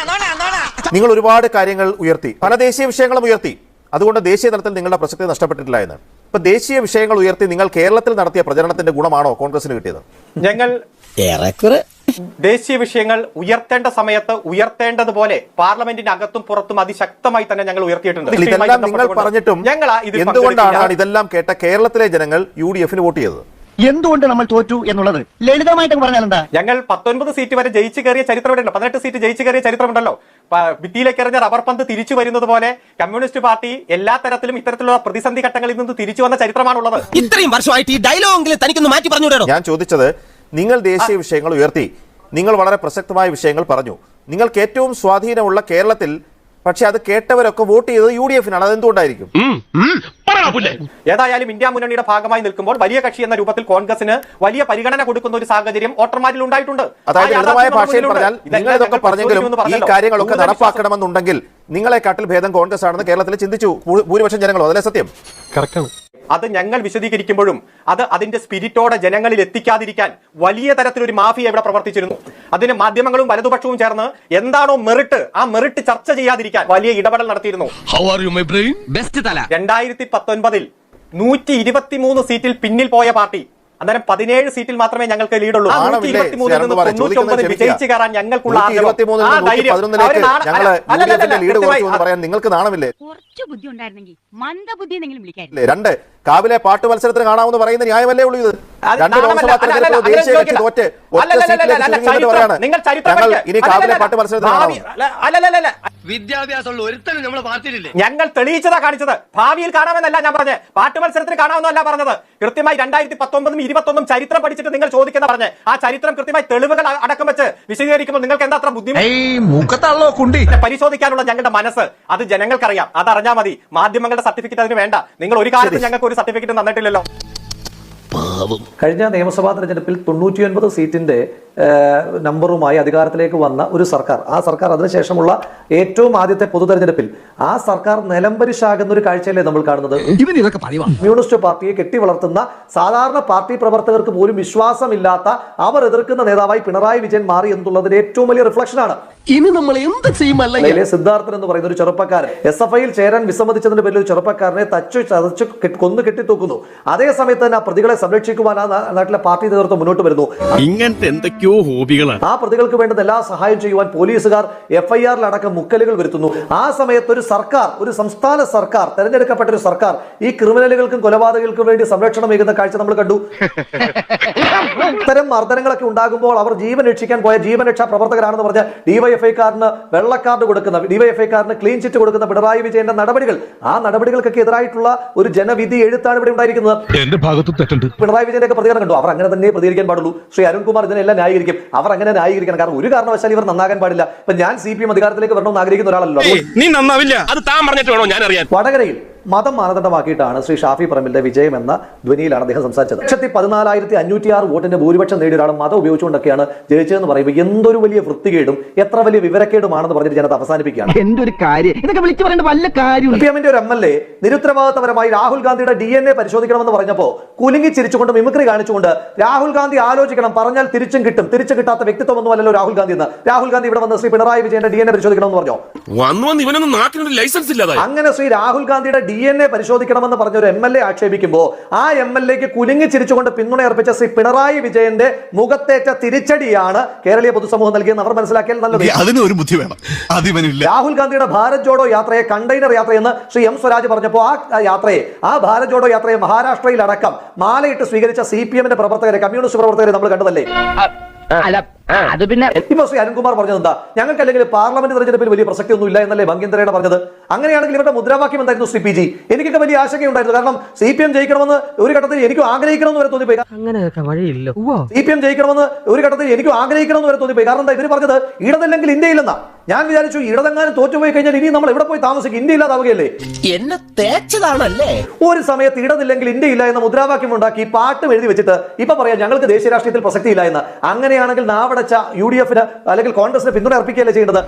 S12: നിങ്ങൾ ഒരുപാട് കാര്യങ്ങൾ ഉയർത്തി, പല ദേശീയ വിഷയങ്ങളും ഉയർത്തി. അതുകൊണ്ട് ദേശീയ തലത്തിൽ നിങ്ങളുടെ പ്രസക്തി നഷ്ടപ്പെട്ടിട്ടില്ല എന്ന്. ഇപ്പൊ ദേശീയ വിഷയങ്ങൾ ഉയർത്തി നിങ്ങൾ കേരളത്തിൽ നടത്തിയ പ്രചരണത്തിന്റെ ഗുണമാണോ കോൺഗ്രസിന് കിട്ടിയത്? ഞങ്ങൾ ദേശീയ വിഷയങ്ങൾ ഉയർത്തേണ്ട സമയത്ത് ഉയർത്തേണ്ടതുപോലെ പാർലമെന്റിന്റെ അകത്തും പുറത്തും അതിശക്തമായി തന്നെ ഞങ്ങൾ ഉയർത്തിയിട്ടുണ്ട്. ഇതെല്ലാം നിങ്ങൾ പറഞ്ഞിട്ടും ഞങ്ങൾ എന്തുകൊണ്ടാണ് ഇതെല്ലാം കേട്ട കേരളത്തിലെ ജനങ്ങൾ യു ഡി എഫിന് വോട്ട് ചെയ്തത്?
S2: എന്തുകൊണ്ട് നമ്മൾ തോറ്റു എന്നുള്ളത് ലളിതമായിട്ട് പറഞ്ഞാൽ എന്താ?
S12: ഞങ്ങൾ പത്തൊൻപത് സീറ്റ് വരെ ജയിച്ചു കയറിയ ചരിത്രമുണ്ടല്ലോ, പതിനെട്ട് സീറ്റ് ജയിച്ചു കയറിയ ചരിത്രമുണ്ടല്ലോ. ഭിത്തിയിലേക്ക് എറിഞ്ഞ റബ്ബർ പന്ത് തിരിച്ചു വരുന്നത് പോലെ കമ്മ്യൂണിസ്റ്റ് പാർട്ടി എല്ലാ തരത്തിലും ഇത്തരത്തിലുള്ള പ്രതിസന്ധി ഘട്ടങ്ങളിൽ നിന്ന് തിരിച്ചു വന്ന ചരിത്രമാണുള്ളത്.
S8: ഇത്രയും വർഷമായിട്ട് ഈ ഡയലോഗെങ്കിലും തനിക്കൊന്ന് മാറ്റി പറഞ്ഞുകൂടോ?
S12: ഞാൻ ചോദിച്ചത്, നിങ്ങൾ ദേശീയ വിഷയങ്ങൾ ഉയർത്തി, നിങ്ങൾ വളരെ പ്രസക്തമായ വിഷയങ്ങൾ പറഞ്ഞു, നിങ്ങൾക്ക് ഏറ്റവും സ്വാധീനമുള്ള കേരളത്തിൽ പക്ഷെ അത് കേട്ടവരൊക്കെ വോട്ട് ചെയ്തത് യു ഡി എഫിനാണ്. അതെന്തുകൊണ്ടായിരിക്കും? ഏതായാലും ഇന്ത്യ മുന്നണിയുടെ ഭാഗമായി നിൽക്കുമ്പോൾ വലിയ കക്ഷി എന്ന രൂപത്തിൽ കോൺഗ്രസിന് വലിയ പരിഗണന കൊടുക്കുന്ന ഒരു സാഹചര്യം വോട്ടർമാരിൽ ഉണ്ടായിട്ടുണ്ട്. അതായത് ലളിതമായ ഭാഷയിൽ പറഞ്ഞാൽ നിങ്ങൾ ഇതൊക്കെ പറഞ്ഞെങ്കിലും ഈ കാര്യങ്ങളൊക്കെ നടപ്പാക്കണമെന്നുണ്ടെങ്കിൽ നിങ്ങളെക്കാട്ടിൽ ഭേദം കോൺഗ്രസ് ആണെന്ന് കേരളത്തിൽ ചിന്തിച്ചു ഭൂരിപക്ഷം ജനങ്ങളോ? അതല്ലേ സത്യം? അത് ഞങ്ങൾ വിശദീകരിക്കുമ്പോഴും അത് അതിന്റെ സ്പിരിറ്റോടെ ജനങ്ങളിൽ എത്തിക്കാതിരിക്കാൻ വലിയ തരത്തിലൊരു മാഫിയ ഇവിടെ പ്രവർത്തിച്ചിരുന്നു. അതിന് മാധ്യമങ്ങളും വലതുപക്ഷവും ചേർന്ന് എന്താണോ മെറിറ്റ്, ആ മെറിറ്റ് ചർച്ച ചെയ്യാതിരിക്കാൻ വലിയ ഇടപെടൽ നടത്തിയിരുന്നു. രണ്ടായിരത്തി പത്തൊൻപതിൽ നൂറ്റി ഇരുപത്തി മൂന്ന് സീറ്റിൽ പിന്നിൽ പോയ പാർട്ടി അന്നേരം പതിനേഴ് സീറ്റിൽ മാത്രമേ ഞങ്ങൾക്ക് ലീഡുള്ളൂ. വിജയിച്ചു കയറാൻ ഞങ്ങൾക്കുള്ള
S11: കുറച്ചു ബുദ്ധി ഉണ്ടായിരുന്നെങ്കിൽ മന്ദബുദ്ധി
S12: രണ്ട്
S9: കാവിലെ പാട്ട് മത്സരത്തിന് കാണാമെന്ന് പറയുന്ന ന്യായമല്ലേ ഉള്ളൂ ഇത്? രണ്ട് ലോക്സഭാ തെരഞ്ഞെടുപ്പ് ദേശീയ കക്ഷി തോറ്റ് ഒറ്റ സീറ്റിലേക്ക് ചുരുങ്ങിയിട്ട് പറയാണ് ഞങ്ങൾ ഇനി കാവിലെ പാട്ട് മത്സരത്തിന് കാണാം.
S2: വിദ്യാഭ്യാസമുള്ള ഒരുത്തനും നമ്മളെ പാർട്ടിയിലില്ലേ?
S12: ഞങ്ങൾ തെളിയിച്ചതാ കാണിച്ചത്. ഭാവിയിൽ കാണാമെന്നല്ല ഞാൻ പറഞ്ഞത്, പാട്ട് മത്സരത്തിന് കാണാമെന്നല്ല പറഞ്ഞത്. കൃത്യമായി രണ്ടായിരത്തി പത്തൊമ്പതും ഇരുപത്തൊന്നും ചരിത്രം പഠിച്ചിട്ട് നിങ്ങൾ ചോദിക്കുന്ന പറഞ്ഞ് ആ ചരിത്രം കൃത്യമായി തെളിവുകൾ അടക്കം വെച്ച് വിശദീകരിക്കുമ്പോൾ നിങ്ങൾക്ക് എന്താ അത്ര ബുദ്ധിമുട്ട്? പരിശോധിക്കാനുള്ള ഞങ്ങളുടെ മനസ്സ് അത് ജനങ്ങൾക്കറിയാം. അതറിഞ്ഞാൽ മതി. മാധ്യമങ്ങളുടെ സർട്ടിഫിക്കറ്റ് അതിന് വേണ്ട. നിങ്ങൾ ഒരു കാലത്ത് ഞങ്ങൾക്ക് ഒരു സർട്ടിഫിക്കറ്റ് തന്നിട്ടില്ലല്ലോ.
S6: കഴിഞ്ഞ നിയമസഭാ തെരഞ്ഞെടുപ്പിൽ തൊണ്ണൂറ്റിയൊൻപത് സീറ്റിന്റെ നമ്പറുമായി അധികാരത്തിലേക്ക് വന്ന ഒരു സർക്കാർ, ആ സർക്കാർ അതിനുശേഷമുള്ള ഏറ്റവും ആദ്യത്തെ പൊതു തെരഞ്ഞെടുപ്പിൽ ആ സർക്കാർ നിലംപരിശാകുന്ന ഒരു കാഴ്ചയല്ലേ നമ്മൾ കാണുന്നത്? കമ്മ്യൂണിസ്റ്റ് പാർട്ടിയെ കെട്ടി വളർത്തുന്ന സാധാരണ പാർട്ടി പ്രവർത്തകർക്ക് പോലും വിശ്വാസമില്ലാത്ത അവർ എതിർക്കുന്ന നേതാവായി പിണറായി വിജയൻ മാറി എന്നുള്ളതിന്റെ ഏറ്റവും വലിയ റിഫ്ലക്ഷനാണ്.
S8: ഇനി നമ്മൾ എന്ത് ചെയ്യുമല്ലേ?
S6: സിദ്ധാർത്ഥൻ എന്ന് പറയുന്ന ഒരു ചെറുപ്പക്കാരൻ എസ് എഫ് ഐയിൽ ചേരാൻ വിസമ്മതിച്ചതിന്റെ പേരിൽ ഒരു ചെറുപ്പക്കാരനെ തച്ചു ചതച്ചു കൊന്നു കെട്ടിത്തൂക്കുന്നു. അതേ സമയത്ത് തന്നെ ആ പ്രതികളെ സംരക്ഷിക്കുവാൻ ആ നാട്ടിലെ പാർട്ടി നേതൃത്വം മുന്നോട്ട് വരുന്നു.
S10: ഇങ്ങനത്തെ എന്തൊക്കെയോ ഹോബികളാണ്.
S6: ആ പ്രതികൾക്ക് വേണ്ടുന്ന എല്ലാ സഹായം ചെയ്യുവാൻ പോലീസുകാർ എഫ് ഐ ആറിൽ അടക്കം മുക്കലുകൾ വരുത്തുന്നു. ആ സമയത്ത് ഒരു സർക്കാർ, ഒരു സംസ്ഥാന സർക്കാർ, തെരഞ്ഞെടുക്കപ്പെട്ട ഒരു സർക്കാർ ഈ ക്രിമിനലുകൾക്കും കൊലപാതകങ്ങൾക്കും വേണ്ടി സംരക്ഷണം ഏകുന്ന കാഴ്ച നമ്മൾ കണ്ടു. ഇത്തരം മർദ്ദനങ്ങളൊക്കെ ഉണ്ടാകുമ്പോൾ അവർ ജീവൻ രക്ഷിക്കാൻ പോയ ജീവൻ രക്ഷാ പ്രവർത്തകരാണെന്ന് പറഞ്ഞ ഡിവൈഎഫ്ഐക്കാരന് വെള്ളക്കാർഡ് കൊടുക്കുന്ന, ഡിവൈഎഫ്ഐക്കാരന് ക്ലീൻ ചിറ്റ് കൊടുക്കുന്ന പിണറായി വിജയന്റെ നടപടികൾ, ആ നടപടികൾക്കൊക്കെ എതിരായിട്ടുള്ള ഒരു ജനവിധി എഴുത്താണ് ഇവിടെ ഉണ്ടായിരിക്കുന്നത്.
S5: എന്റെ ഭാഗത്തും തെറ്റുണ്ട്.
S6: പിണറായി വിജയന്റെ ഒക്കെ പ്രതികരണം കണ്ടു. അവർ അങ്ങനെ തന്നെ പ്രതികരിക്കാൻ പാടുള്ളൂ. ശ്രീ അരുൺകുമാർ ഇതിനെല്ലാം ന്യായീകരിക്കും. അവർ അങ്ങനെ ന്യായീകരിക്കണം. കാരണം ഒരു കാരണവശാലും ഇവർ നന്നാകാൻ പാടില്ല. ഇപ്പൊ ഞാൻ സി പി എം അധികാരത്തിലേക്ക് വരണമെന്ന് ആഗ്രഹിക്കുന്ന ഒരാളല്ലോ.
S10: നീ നന്നാവില്ല. അത് താൻ പറഞ്ഞിട്ട് വേണോ ഞാൻ അറിയാൻ.
S6: വടകരയിൽ മതം മാനദണ്ഡമാക്കിയിട്ടാണ് ശ്രീ ഷാഫി പറമ്പിലിന്റെ വിജയം എന്ന ധ്വനിയിലാണ് അദ്ദേഹം സംസാരിച്ചത്. ലക്ഷത്തി പതിനാലായിരത്തി അഞ്ഞൂറ്റി ആറ് വോട്ടിന്റെ ഭൂരിപക്ഷം നേടിയ ഒരാൾ മതം ഉപയോഗിച്ചുകൊണ്ടൊക്കെയാണ് ജയിച്ചതെന്ന് പറയുമ്പോൾ എന്തൊരു വലിയ വൃത്തികേടും എത്ര വലിയ വിവരക്കേടുമാണെന്ന് പറഞ്ഞിട്ട് ജനത അവസാനിപ്പിക്കുകയാണ്.
S2: എന്തൊരു കാര്യം ഇതൊക്കെ വിളിച്ചു പറയേണ്ട വല്ല കാര്യം.
S6: സി പി എമ്മിന്റെ ഒരു എം എൽ എ നിരുത്തരവാദിത്തപരമായി രാഹുൽ ഗാന്ധിയുടെ ഡി എൻ എ പരിശോധിക്കണമെന്ന് പറഞ്ഞപ്പോ കുലുങ്ങി ചിരിച്ചുകൊണ്ട് മിമിക്രി കാണിച്ചുകൊണ്ട് രാഹുൽ ഗാന്ധി ആലോചിക്കണം, പറഞ്ഞാൽ തിരിച്ചും കിട്ടും, തിരിച്ചു കിട്ടാത്ത വ്യക്തിത്വമൊന്നും അല്ലല്ലോ രാഹുൽ ഗാന്ധി എന്ന്. രാഹുൽ ഗാന്ധി ഇവിടെ വന്ന് ശ്രീ പിണറായി വിജയന്റെ ഡി എൻ എ പരിശോധിക്കണമെന്ന് പറഞ്ഞോ?
S10: ലൈസൻസ് ഇല്ലാതെ
S6: അങ്ങനെ ശ്രീ രാഹുൽ ഗാന്ധിയുടെ ഡി എൻ എ പരിശോധിക്കണമെന്ന് പറഞ്ഞ ഒരു എം എൽ എ ആക്ഷേപിക്കുമ്പോൾ ആ എം എൽ എക്ക് കുലുങ്ങി ചിരിച്ചുകൊണ്ട് പിന്തുണ അർപ്പിച്ച ശ്രീ പിണറായി വിജയന്റെ മുഖത്തേറ്റ തിരിച്ചടിയാണ് കേരളീയ പൊതുസമൂഹം നൽകിയെന്ന് അവർ മനസ്സിലാക്കിയാൽ നല്ലത്.
S5: അതിന് ഒരു ബുദ്ധി വേണം.
S6: രാഹുൽ ഗാന്ധിയുടെ ഭാരത് ജോഡോ യാത്രയെ കണ്ടെയ്നർ യാത്രയെന്ന് ശ്രീ എം സ്വരാജ് പറഞ്ഞപ്പോൾ ആ യാത്രയെ, ആ ഭാരത് ജോഡോ യാത്രയെ മഹാരാഷ്ട്രയിൽ അടക്കം മാലയിട്ട് സ്വീകരിച്ച സി പി എമ്മിന്റെ പ്രവർത്തകരെ, കമ്മ്യൂണിസ്റ്റ് പ്രവർത്തകരെ നമ്മൾ കണ്ടതല്ലേ?
S2: അത് പിന്നെ
S6: ഇപ്പൊ ശ്രീ അരുൺകുമാർ പറഞ്ഞത് എന്താ? ഞങ്ങൾക്ക് അല്ലെങ്കിൽ പാർലമെന്റ് തെരഞ്ഞെടുപ്പിൽ വലിയ പ്രസക്തി ഒന്നും ഇല്ല എന്നല്ലേ ഭംഗിന്ദ്രയുടെ പറഞ്ഞത്? അങ്ങനെയാണെങ്കിൽ ഇവരുടെ മുദ്രാവാക്യം എന്തായിരുന്നു ശ്രീ പി ജി? എനിക്കൊക്കെ വലിയ ആശങ്കയുണ്ടായിരുന്നു. കാരണം സി പി എം ജയിക്കണമെന്ന് ഒരു ഘട്ടത്തിൽ എനിക്കും ആഗ്രഹിക്കണമെന്ന് വരെ തോന്നിപ്പോയി.
S2: അങ്ങനെയൊക്കെ വഴിയില്ല.
S6: സി പി എം ജയിക്കണമെന്ന് ഒരു ഘട്ടത്തിൽ എനിക്കും ആഗ്രഹിക്കണമെന്ന് വരെ തോന്നിപ്പോയി. കാരണം എന്താ ഇവർ പറഞ്ഞത്? ഇടതില്ലെങ്കിൽ ഇന്ത്യയില്ലെന്നാ. ഞാൻ വിചാരിച്ചു ഇടതെങ്ങാനും തോറ്റുപോയി കഴിഞ്ഞാൽ ഇനി നമ്മൾ എവിടെ പോയി താമസിക്കും? ഇന്ത്യ ഇല്ലാതാവുകയല്ലേ?
S8: എന്നെ തേച്ചതാണല്ലേ?
S6: ഒരു സമയത്ത് ഇടതില്ലെങ്കിൽ ഇന്ത്യ ഇല്ല എന്ന മുദ്രാവാക്യം ഉണ്ടാക്കി പാട്ടും എഴുതി വെച്ചിട്ട് ഇപ്പൊ പറയാം ഞങ്ങൾക്ക് ദേശീയ രാഷ്ട്രീയത്തിൽ പ്രസക്തി ഇല്ല എന്ന്. അങ്ങനെയാണെങ്കിൽ നാവടച്ച യു ഡി എഫിന് അല്ലെങ്കിൽ കോൺഗ്രസിന് പിന്തുണ അർപ്പിക്കുകയല്ലേ ചെയ്യേണ്ടത്?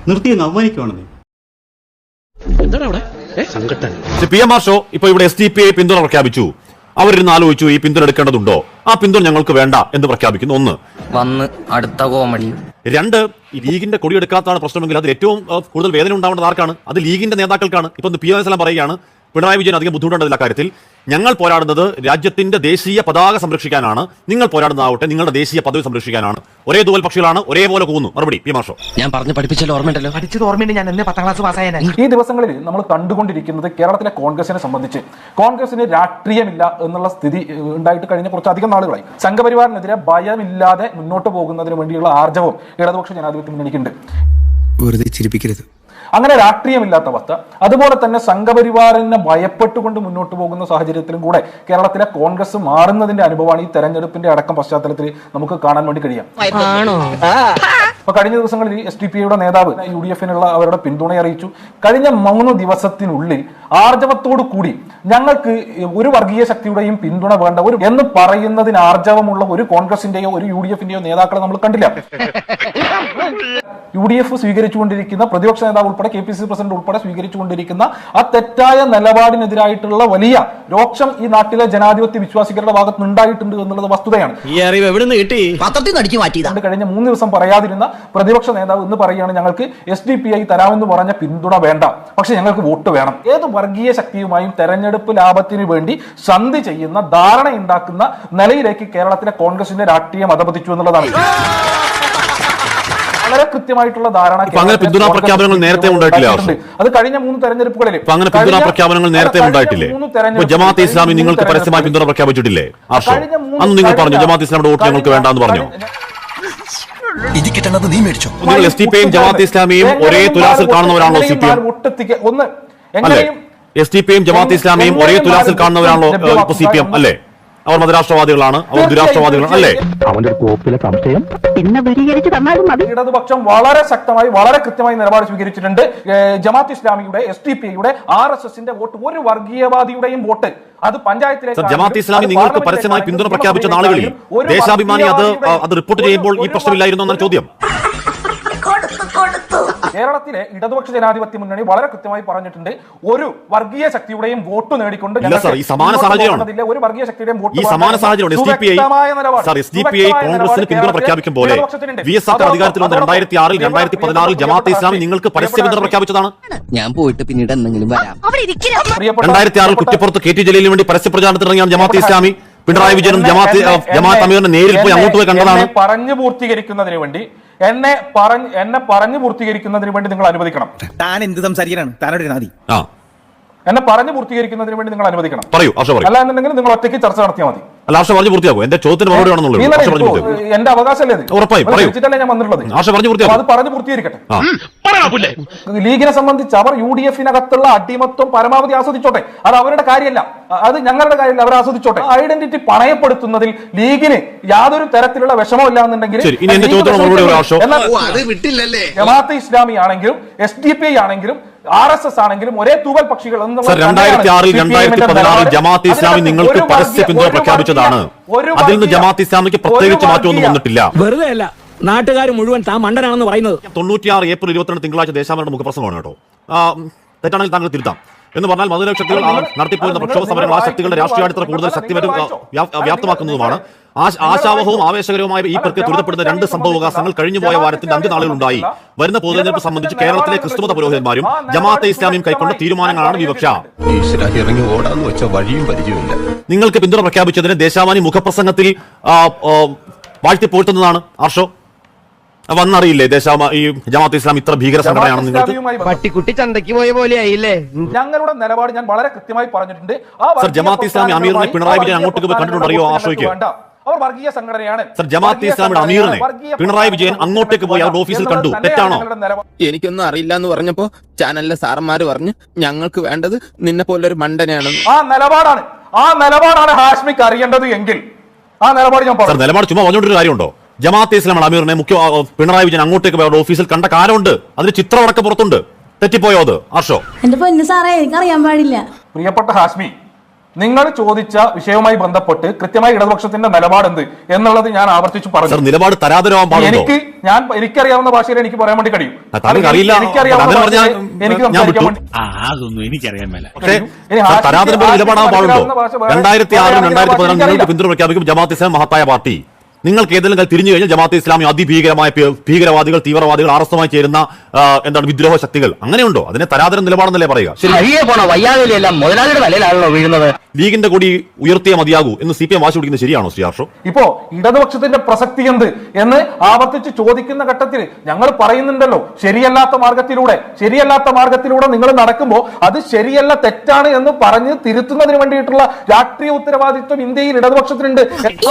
S1: പി എം ആർ ഷോ ഇപ്പൊ ഇവിടെ എസ് ഡി പി ഐ പിന്തുണ പ്രഖ്യാപിച്ചു. അവരിന്ന് ആലോചിച്ചു ഈ പിന്തുണ എടുക്കേണ്ടതുണ്ടോ? ആ പിന്തുണ ഞങ്ങൾക്ക് വേണ്ട എന്ന് പ്രഖ്യാപിക്കുന്നു. ഒന്ന്
S2: വന്ന് അടുത്ത കോമഡി.
S1: രണ്ട്, ഈ ലീഗിന്റെ കൊടിയെടുക്കാത്തതാണ് പ്രശ്നമെങ്കിൽ അതിൽ ഏറ്റവും കൂടുതൽ വേദന ഉണ്ടാവേണ്ടത് ആർക്കാണ്? അത് ലീഗിന്റെ നേതാക്കൾക്കാണ്. ഇപ്പൊ പി എം എസ് എല്ലാം പറയുകയാണ് പിണറായി വിജയൻ അധികം ബുദ്ധിമുട്ടുണ്ടതില്ല കാര്യത്തിൽ. ഞങ്ങൾ പോരാടുന്നത് രാജ്യത്തിന്റെ ദേശീയ പതാക സംരക്ഷിക്കാനാണ്, നിങ്ങൾ പോരാടുന്നതാവട്ടെ നിങ്ങളുടെ ദേശീയ പദവി സംരക്ഷിക്കാനാണ്. ഒരേ തൂവൽ പക്ഷികളാണ്, ഒരേപോലെ കൂന്നു. മറുപടി പി മാഷോ.
S8: ഞാൻ പറഞ്ഞു പഠിപ്പിച്ചല്ലോ, ഓർമ്മയുണ്ടല്ലോ?
S2: പഠിച്ചത് ഓർമ്മയുണ്ട്. ഞാൻ എന്നെ പത്താം ക്ലാസ് പാസ്സായ
S3: ഈ ദിവസങ്ങളിൽ നമ്മൾ കണ്ടുകൊണ്ടിരിക്കുന്നത് കേരളത്തിലെ കോൺഗ്രസിനെ സംബന്ധിച്ച് കോൺഗ്രസിന് രാഷ്ട്രീയമില്ല എന്നുള്ള സ്ഥിതി ഉണ്ടായിട്ട് കഴിഞ്ഞ കുറച്ചധികം നാളുകളായി. സംഘപരിവാറിനെതിരെ ഭയമില്ലാതെ മുന്നോട്ട് പോകുന്നതിന് വേണ്ടിയുള്ള ആർജവം ഇടതുപക്ഷ ജനാധിപത്യ മുന്നണിക്കുണ്ട്.
S4: വെറുതെ ചിരിപ്പിക്കരുത്.
S3: അങ്ങനെ രാഷ്ട്രീയമില്ലാത്ത അവസ്ഥ, അതുപോലെ തന്നെ സംഘപരിവാറിനെ ഭയപ്പെട്ടുകൊണ്ട് മുന്നോട്ട് പോകുന്ന സാഹചര്യത്തിലും കൂടെ കേരളത്തിലെ കോൺഗ്രസ് മാറുന്നതിന്റെ അനുഭവമാണ് ഈ തെരഞ്ഞെടുപ്പിന്റെ അടക്കം പശ്ചാത്തലത്തിൽ നമുക്ക് കാണാൻ വേണ്ടി കഴിയാം. അപ്പൊ കഴിഞ്ഞ ദിവസങ്ങളിൽ എസ് ഡി പി ഐയുടെ നേതാവ് യു ഡി എഫിനുള്ള അവരുടെ പിന്തുണ അറിയിച്ചു. കഴിഞ്ഞ മൂന്ന് ദിവസത്തിനുള്ളിൽ ആർജവത്തോടു കൂടി ഞങ്ങൾക്ക് ഒരു വർഗീയ ശക്തിയുടെയും പിന്തുണ വേണ്ട ഒരു എന്ന് പറയുന്നതിന് ആർജവമുള്ള ഒരു കോൺഗ്രസിന്റെയോ ഒരു യു ഡി എഫിന്റെയോ നേതാക്കളെ നമ്മൾ കണ്ടില്ല. യു ഡി എഫ് സ്വീകരിച്ചുകൊണ്ടിരിക്കുന്ന പ്രതിപക്ഷ നേതാവ് ഉൾപ്പെടെ K P C C president ഉൾപ്പെടെ സ്വീകരിച്ചുകൊണ്ടിരിക്കുന്ന ആ തെറ്റായ നിലപാടിനെതിരായിട്ടുള്ള വലിയ രോക്ഷം ഈ നാട്ടിലെ ജനാധിപത്യ വിശ്വാസികളുടെ ഭാഗത്ത് ഉണ്ടായിട്ടുണ്ട് എന്നുള്ളത് വസ്തുതയാണ്.
S8: ഈ അറിവ് എവിടെ നിന്ന് കിട്ടി? പത്രത്തിൽ നടിച്ചു മാറ്റിയതാണ്.
S3: കഴിഞ്ഞ മൂന്ന് ദിവസം പറയാതിരുന്ന പ്രതിപക്ഷ നേതാവ് ഇന്ന് പറയുകയാണ് ഞങ്ങൾക്ക് എസ് ഡി പി ഐ തരാമെന്ന് പറഞ്ഞ പിന്തുണ വേണ്ട, പക്ഷെ ഞങ്ങൾക്ക് വോട്ട് വേണം. ഏത് വർഗീയ ശക്തിയുമായും തെരഞ്ഞെടുപ്പ് ലാഭത്തിന് വേണ്ടി സന്ധി ചെയ്യുന്ന ധാരണ ഉണ്ടാക്കുന്ന നിലയിലേക്ക് കേരളത്തിലെ കോൺഗ്രസിന്റെ രാഷ്ട്രീയം അധപതിച്ചു എന്നുള്ളതാണ്. വളരെ കൃത്യമായിട്ടുള്ള ധാരണ
S1: അങ്ങനെ പിന്തുണാ പ്രഖ്യാപനങ്ങൾ നേരത്തെ ഉണ്ടായിട്ടില്ല.
S3: അത് കഴിഞ്ഞ മൂന്ന് തെരഞ്ഞെടുപ്പുകളിൽ
S1: അങ്ങനെ പിന്തുണാ പ്രഖ്യാപനങ്ങൾ നേരത്തെ ഉണ്ടായിട്ടില്ലേ? ജമാഅത്തെ ഇസ്ലാമി നിങ്ങൾക്ക് പരസ്യമായി പിന്തുണ പ്രഖ്യാപിച്ചിട്ടില്ലേ? ആർഷോ, അന്ന് നിങ്ങൾ പറഞ്ഞു ജമാഅത്തെ ഇസ്ലാമിയുടെ വോട്ട് ഞങ്ങൾക്ക് വേണ്ടെന്ന് പറഞ്ഞു.
S8: നീ മേടിച്ചോ?
S1: നിങ്ങൾ എസ് ഡി പി യും ജമാഅത്തെ ഇസ്ലാമിയും ഒരേ തുലാസിൽ കാണുന്നവരാണല്ലോ സി പി എം
S3: ഒന്ന്
S1: അല്ലെ? എസ് ഡി പി യും ജമാഅത്തെ ഇസ്ലാമിയും ഒരേ തുലാസിൽ കാണുന്നവരാണല്ലോ ഇപ്പൊ സി പി എം അല്ലേ? അവർ മതരാഷ്ട്രവാദികളാണ്, അവർ ദുരാഷ്ട്രവാദികളാണ് അല്ലേ?
S2: അവന്റെ കോപ്പിലെ സംശയം പിന്നെ പരിഹരിച്ച് തന്നാലും മതി.
S3: ഇടതുപക്ഷം വളരെ ശക്തമായി വളരെ കൃത്യമായി നിലപാട് സ്വീകരിച്ചിട്ടുണ്ട്. ജമാഅത്ത് ഇസ്ലാമിയുടെ, എസ് ഡി പിയുടെ, ആർ എസ് എസിന്റെ വോട്ട് ഒരു വർഗീയവാദിയുടെയും വോട്ട് അത് പഞ്ചായത്തിലേക്ക്.
S1: ജമാഅത്ത് ഇസ്ലാമി നിങ്ങൾക്ക് പരസ്യമായി പിന്തുണ പ്രഖ്യാപിച്ച നാളുകളിൽ ദേശാഭിമാനി അത് അത് റിപ്പോർട്ട് ചെയ്യുമ്പോൾ ഈ പ്രശ്നമില്ലായിരുന്നു എന്നാണ് ചോദ്യം.
S3: കേരളത്തിലെ ഇടതുപക്ഷ ജനാധിപത്യ മുന്നണി വളരെ കൃത്യമായി പറഞ്ഞിട്ടുണ്ട്, ഒരു വർഗീയ ശക്തിയുടെയും വോട്ട് നേടിക്കൊണ്ട്
S1: ഈ സമാന സാഹചര്യമാണ്
S3: ഒരു വർഗീയ ശക്തിയുടെയും വോട്ട്
S1: ഈ സമാന സാഹചര്യമാണ് S D P I sir S D P I കോൺഗ്രസിന് പിന്തുണ പ്രഖ്യാപിക്കും പോലെ വി എസ് സർക്കാർ അധികാരത്തിൽ വന്ന രണ്ടായിരത്തി ആറിൽ രണ്ടായിരത്തി പതിനാറിൽ ജമാഅത്തെ ഇസ്ലാമി നിങ്ങൾക്ക് പരസ്യ പിന്തുണ പ്രഖ്യാപിച്ചതാണ്.
S8: ഞാൻ പോയിട്ട് പിന്നീട് എന്തെങ്കിലും വരാം.
S1: രണ്ടായിരത്തി ആറിൽ കുറ്റപ്പുറത്ത് കെ ടി ജലീലിന് വേണ്ടി പരസ്യ പ്രചാരണത്തിൽ ഇറങ്ങിയാണ് ജമാഅത്തെ ഇസ്ലാമി. പിണറായി വിജയനും ജമാഅത്ത് ജമാഅത്ത് അമീറിനെ നേരിൽ പോയി അങ്ങോട്ട് പോയി കണ്ടതാണ്.
S3: പറഞ്ഞു പൂർത്തീകരിക്കുന്നതിന് വേണ്ടി എന്നെ പറഞ്ഞ് എന്നെ പറഞ്ഞു പൂർത്തീകരിക്കുന്നതിന് വേണ്ടി നിങ്ങൾ അനുവദിക്കണം.
S8: താൻ എന്ത് സംസാരിക്കാനാണ്? താനോട് നാദി
S3: എന്നെ പറഞ്ഞു പൂർത്തീകരിക്കുന്നതിന് വേണ്ടി നിങ്ങൾ അനുവദിക്കണം.
S1: പറയൂ ആശ പറയൂ.
S3: അല്ല എന്നുണ്ടെങ്കിൽ നിങ്ങൾ ഒറ്റയ്ക്ക് ചർച്ച നടത്തിയാൽ മതി.
S1: അല്ല ആശ പറഞ്ഞു പൂർത്തിയാക്കും. എന്റെ ചോദ്യത്തിന് മറുപടി ആണെന്നുള്ളത്
S3: എന്റെ അവകാശമല്ലേ?
S1: ഉറപ്പായും പറയൂ.
S3: ഞാൻ വന്നിട്ടുള്ളത്
S1: ആശ പറഞ്ഞു പൂർത്തിയാക്കും.
S3: അത് പറഞ്ഞു പൂർത്തീകരിക്കട്ടെ. ലീഗിനെ സംബന്ധിച്ച് അവർ യു ഡി എഫിനകത്തുള്ള അടിമത്വം പരമാവധി ആസ്വദിച്ചോട്ടെ. അത് അവരുടെ കാര്യമല്ല, അത് ഞങ്ങളുടെ കാര്യമല്ല. അവർ ആസ്വദിച്ചോട്ടെ. ഐഡന്റിറ്റി പണയപ്പെടുത്തുന്നതിൽ ലീഗിന് യാതൊരു തരത്തിലുള്ള വിഷമമില്ല എന്നുണ്ടെങ്കിൽ ജമാഅത്തെ ഇസ്ലാമി ആണെങ്കിലും എസ് ഡി പി ഐ ആണെങ്കിലും ആർ എസ് എസ് ആണെങ്കിലും ഒരേ തൂവൽ പക്ഷികൾ.
S1: രണ്ടായിരത്തി ആറിൽ രണ്ടായിരത്തി പതിനാറിൽ ജമാഅത്തെ ഇസ്ലാമി നിങ്ങൾക്ക് പരസ്യ പിന്തുണ പ്രഖ്യാപിച്ചതാണ്. അതിൽ നിന്ന് ജമാഅത്തെ ഇസ്ലാമിക്ക് പ്രത്യേകിച്ച് മാറ്റമൊന്നും വന്നിട്ടില്ല.
S2: വെറുതെ അല്ല, നാട്ടുകാർ മുഴുവൻ താൻ മണ്ടനാണെന്ന് പറയുന്നത്.
S1: തൊണ്ണൂറ്റിയാറ് ഏപ്രിൽ ഇരുപത്തിരണ്ട് തിങ്കളാഴ്ച ദേശാഭിമാനിയുടെ മുഖപ്രസംഗമാണ് കേട്ടോ. തെറ്റാണെങ്കിൽ താങ്കൾ തിരുത്താം. എന്ന് പറഞ്ഞാൽ മധുര ശക്തികൾ നടത്തിപ്പോയിരുന്ന പ്രക്ഷോഭ സമരങ്ങൾ ആ ശക്തികളുടെ രാഷ്ട്രീയ അടിത്തറ കൂടുതൽ ശക്തിപരം വ്യാപ്തമാക്കുന്നതുമാണ്. ആശാവഹവും ആവേശകരവുമായ ഈ പ്രക്രിയ ത്വരിതപ്പെടുന്ന രണ്ട് സംഭവവികാസങ്ങൾ കഴിഞ്ഞുപോയ വാരത്തിന്റെ അന്ത്യനാളുകളുണ്ടായി. വരുന്ന പൊതുതെരഞ്ഞെടുപ്പ് സംബന്ധിച്ച് കേരളത്തിലെ ക്രിസ്തുമത പുരോഹിതന്മാരും ജമാഅത്തെ ഇസ്ലാമിയും കൈക്കൊണ്ട തീരുമാനങ്ങളാണ് വിവക്ഷ. നിങ്ങൾക്ക് പിന്തുണ പ്രഖ്യാപിച്ചതിന് ദേശാഭിമാനി മുഖപ്രസംഗത്തിൽ വാഴ്ത്തിപ്പോറ്റുന്നതാണ് ആർഷോ. വന്നറിയില്ലേ ദേശാമ ഈ ജമാഅത്തെ ഇസ്ലാം ഇത്ര ഭീകര സംഘടനയാണെന്ന് നിങ്ങൾക്ക്?
S2: പട്ടിക്കുട്ടി ചന്തയ്ക്ക് പോയ പോലെ ആയില്ലേ?
S3: ഞങ്ങളുടെ നിലപാട് ഞാൻ വളരെ കൃത്യമായി പറഞ്ഞിട്ടുണ്ട്.
S1: സർ ജമാഅത്തെ ഇസ്ലാമി അമീറിനെ പിണറായി വിജയൻ അങ്ങോട്ടേക്ക് പോയി കണ്ടിട്ടുണ്ടറിയോ ആർഷോയ്ക്ക്?
S3: അവർ വർഗീയ സംഘടനയാണ്.
S1: സർ ജമാഅത്തെ ഇസ്ലാമിയുടെ അമീറിനെ പിണറായി വിജയൻ അങ്ങോട്ടേക്ക് പോയി അവരുടെ ഓഫീസിൽ കണ്ടു. തെറ്റാണോ?
S8: എനിക്കൊന്നും അറിയില്ല എന്ന് പറഞ്ഞപ്പോ ചാനലിലെ സാറന്മാര് പറഞ്ഞു ഞങ്ങൾക്ക് വേണ്ടത് നിന്നെ പോലൊരു മണ്ടനെയാണ്.
S3: ആ നിലപാടാണ് ആ നിലപാടാണ് ഹാഷ്മിക്ക് അറിയേണ്ടത് എങ്കിൽ ആ നിലപാട് ഞാൻ പറഞ്ഞു.
S1: നിലപാട് ചുമ്മാ പറഞ്ഞോണ്ടൊരു കാര്യമുണ്ടോ? ജമാഅത്തെ ഇസ്ലാം അമീറിനെ മുഖ്യ പിണറായി വിജയൻ അങ്ങോട്ടേക്ക് പോയ ഓഫീസിൽ കണ്ട കാലമുണ്ട്. അതിന് ചിത്രമടക്കം പുറത്തുണ്ട്. തെറ്റിപ്പോയോ അത് ആർഷോ?
S11: എന്റെ പൊന്നു സാറേ, എനിക്കറിയാൻ പാടില്ല.
S3: പ്രിയപ്പെട്ട ഹാഷ്മി, നിങ്ങൾ ചോദിച്ച വിഷയവുമായി ബന്ധപ്പെട്ട് കൃത്യമായി ഇടതുപക്ഷത്തിന്റെ നിലപാട് എന്ത് എന്നുള്ളത് ഞാൻ ആവർത്തിച്ചു പറഞ്ഞു.
S1: നിലപാട് തരാതരമാൻ പാടുണ്ടോ?
S3: എനിക്ക് ഞാൻ എനിക്കറിയാവുന്ന ഭാഷയിൽ എനിക്ക് പറയാൻ വേണ്ടി കഴിയും. എനിക്കറിയാവുന്ന എനിക്ക്
S1: നിലപാടാൻ പാടുണ്ടോ? രണ്ടായിരത്തി ആറിലും രണ്ടായിരത്തി പതിനാറിലും നിങ്ങൾക്ക് പിന്തുണ പ്രഖ്യാപിക്കും ജമാഅത്തെ ഇസ്ലാം മഹത്തായ പാർട്ടി. നിങ്ങൾക്ക് ഏതെങ്കിലും തിരിഞ്ഞു കഴിഞ്ഞാൽ ജമാഅത്തെ ഇസ്ലാമി അതിഭീകരമായ ഭീകരവാദികൾ, തീവ്രവാദികൾ, ആർ എസ് എസുമായി ചേരുന്ന എന്താണ് വിദ്രോഹ ശക്തികൾ, അങ്ങനെയുണ്ടോ? അതിനെ തരാതരം നിലപാടെന്നല്ലേ പറയുക? ലീഗിന്റെ കൂടി ഉയർത്തിയ മതിയാകൂ എന്ന് സി പി എം വാശി പിടിക്കുന്നത് ശരിയാണോ ശ്രീ ആർഷോ?
S3: ഇപ്പോ ഇടതുപക്ഷത്തിന്റെ പ്രസക്തി എന്ത് എന്ന് ആവർത്തിച്ച് ചോദിക്കുന്ന ഘട്ടത്തിൽ ഞങ്ങൾ പറയുന്നുണ്ടല്ലോ, ശരിയല്ലാത്ത മാർഗത്തിലൂടെ ശരിയല്ലാത്ത മാർഗത്തിലൂടെ നിങ്ങൾ നടക്കുമ്പോൾ അത് ശരിയല്ല, തെറ്റാണ് എന്ന് പറഞ്ഞ് തിരുത്തുന്നതിന് വേണ്ടിയിട്ടുള്ള രാഷ്ട്രീയ ഉത്തരവാദിത്വം ഇന്ത്യയിൽ ഇടതുപക്ഷത്തിനുണ്ട്.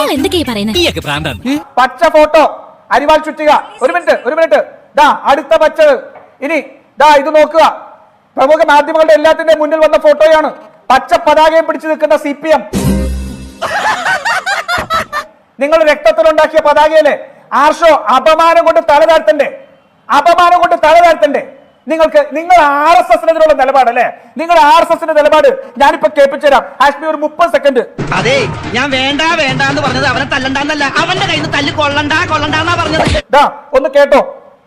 S3: പച്ച ഫോട്ടോ അരിവാൾ ചുറ്റുക. ഒരു മിനിറ്റ് ഒരു മിനിറ്റ് ദാ അടുത്ത പച്ച. ഇനി ദാ ഇത് നോക്കുക. പ്രമുഖ മാധ്യമങ്ങളുടെ എല്ലാത്തിന്റെ മുന്നിൽ വന്ന ഫോട്ടോയാണ്. പച്ച പതാകയും പിടിച്ചു നിൽക്കുന്ന സി പി എം. നിങ്ങൾ രക്തത്തിലുണ്ടാക്കിയ പതാകയല്ലേ ആർഷോ? അപമാനം കൊണ്ട് തല താഴ്ത്തണ്ടേ? അപമാനം കൊണ്ട് തല താഴ്ത്തണ്ടേ? നിങ്ങൾക്ക് നിങ്ങൾ ആർ എസ് എസിനെതിരുള്ള നിലപാടല്ലേ? നിങ്ങൾ ആർ എസ് എസിന്റെ നിലപാട് ഞാനിപ്പോ കേൾപ്പിച്ചു തരാം. ഹാഷ്മി ഒരു മുപ്പത് സെക്കൻഡ്.
S8: അതെ, ഞാൻ വേണ്ട വേണ്ട എന്ന് പറഞ്ഞത് അവനെ തല്ലണ്ടെന്നല്ല, അവന്റെ കയ്യിൽ നിന്ന് തല്ലി കൊള്ളണ്ട കൊള്ളണ്ടെന്നാ പറഞ്ഞത്.
S3: ഒന്ന് കേട്ടോ.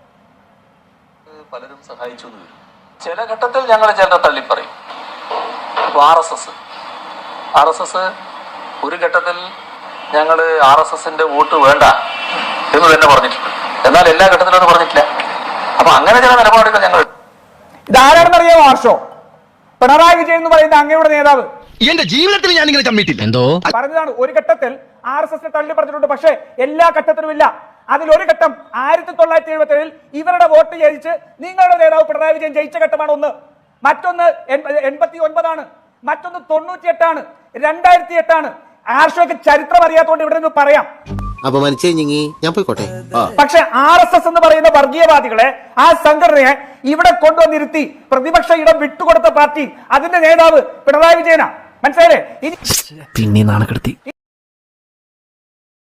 S13: പലരും സഹായിച്ചു എന്ന് വരും. ചില ഘട്ടത്തിൽ ഞങ്ങൾ ചിലരെ തള്ളിപ്പറയും. R S S R S S ഒരു ഘട്ടത്തിൽ ഞങ്ങൾ ആർ എസ് എസിന്റെ വോട്ട് വേണ്ട എന്ന് തന്നെ പറഞ്ഞിട്ടുണ്ട്. എന്നാൽ എല്ലാ ഘട്ടത്തിലും അത് പറഞ്ഞിട്ടില്ല. അപ്പൊ അങ്ങനെ ചില നിലപാടുകൾ ഞങ്ങൾ.
S3: ഇതാരാണെന്നറിയാമോ ആർഷോ? പിണറായി വിജയൻ എന്ന് പറയുന്ന അങ്ങയുടെ നേതാവ്.
S8: എന്റെ ജീവിതത്തിൽ ഞാൻ ഇങ്ങനെ ചമ്മിട്ടില്ല. എന്തോ
S3: പറഞ്ഞതാണ്. ഒരു ഘട്ടത്തിൽ ആർ എസ് എസിനെ തള്ളി പറഞ്ഞിട്ടുണ്ട്, പക്ഷേ എല്ലാ ഘട്ടത്തിലും ഇല്ല. അതിലൊരു ഘട്ടം ആയിരത്തി തൊള്ളായിരത്തി എഴുപത്തി ഏഴിൽ ഇവരുടെ വോട്ട് ജയിച്ച് നിങ്ങളുടെ നേതാവ് പിണറായി വിജയൻ ജയിച്ച ഘട്ടമാണ് ഒന്ന്. മറ്റൊന്ന് എൺപത്തി ഒൻപതാണ്, മറ്റൊന്ന് തൊണ്ണൂറ്റി എട്ടാണ്, രണ്ടായിരത്തി എട്ടാണ്. ആർഷോയ്ക്ക് ചരിത്രം അറിയാത്തതുകൊണ്ട് ഇവിടെ നിന്ന് പറയാം.
S8: അപമാനിച്ചേ ഞാൻ പോയിക്കോട്ടെ.
S3: പക്ഷെ ആർ എസ് എസ് എന്ന് പറയുന്ന വർഗീയവാദികളെ, ആ സംഘടനയെ ഇവിടെ കൊണ്ടുവന്നിരുത്തി പ്രതിപക്ഷ ഇടം വിട്ടുകൊടുത്ത പാർട്ടി, അതിന്റെ നേതാവ് പിണറായി വിജയനാ. മനസ്സിലായില്ലേ?
S2: പിന്നെ നാണക്കെടുത്തി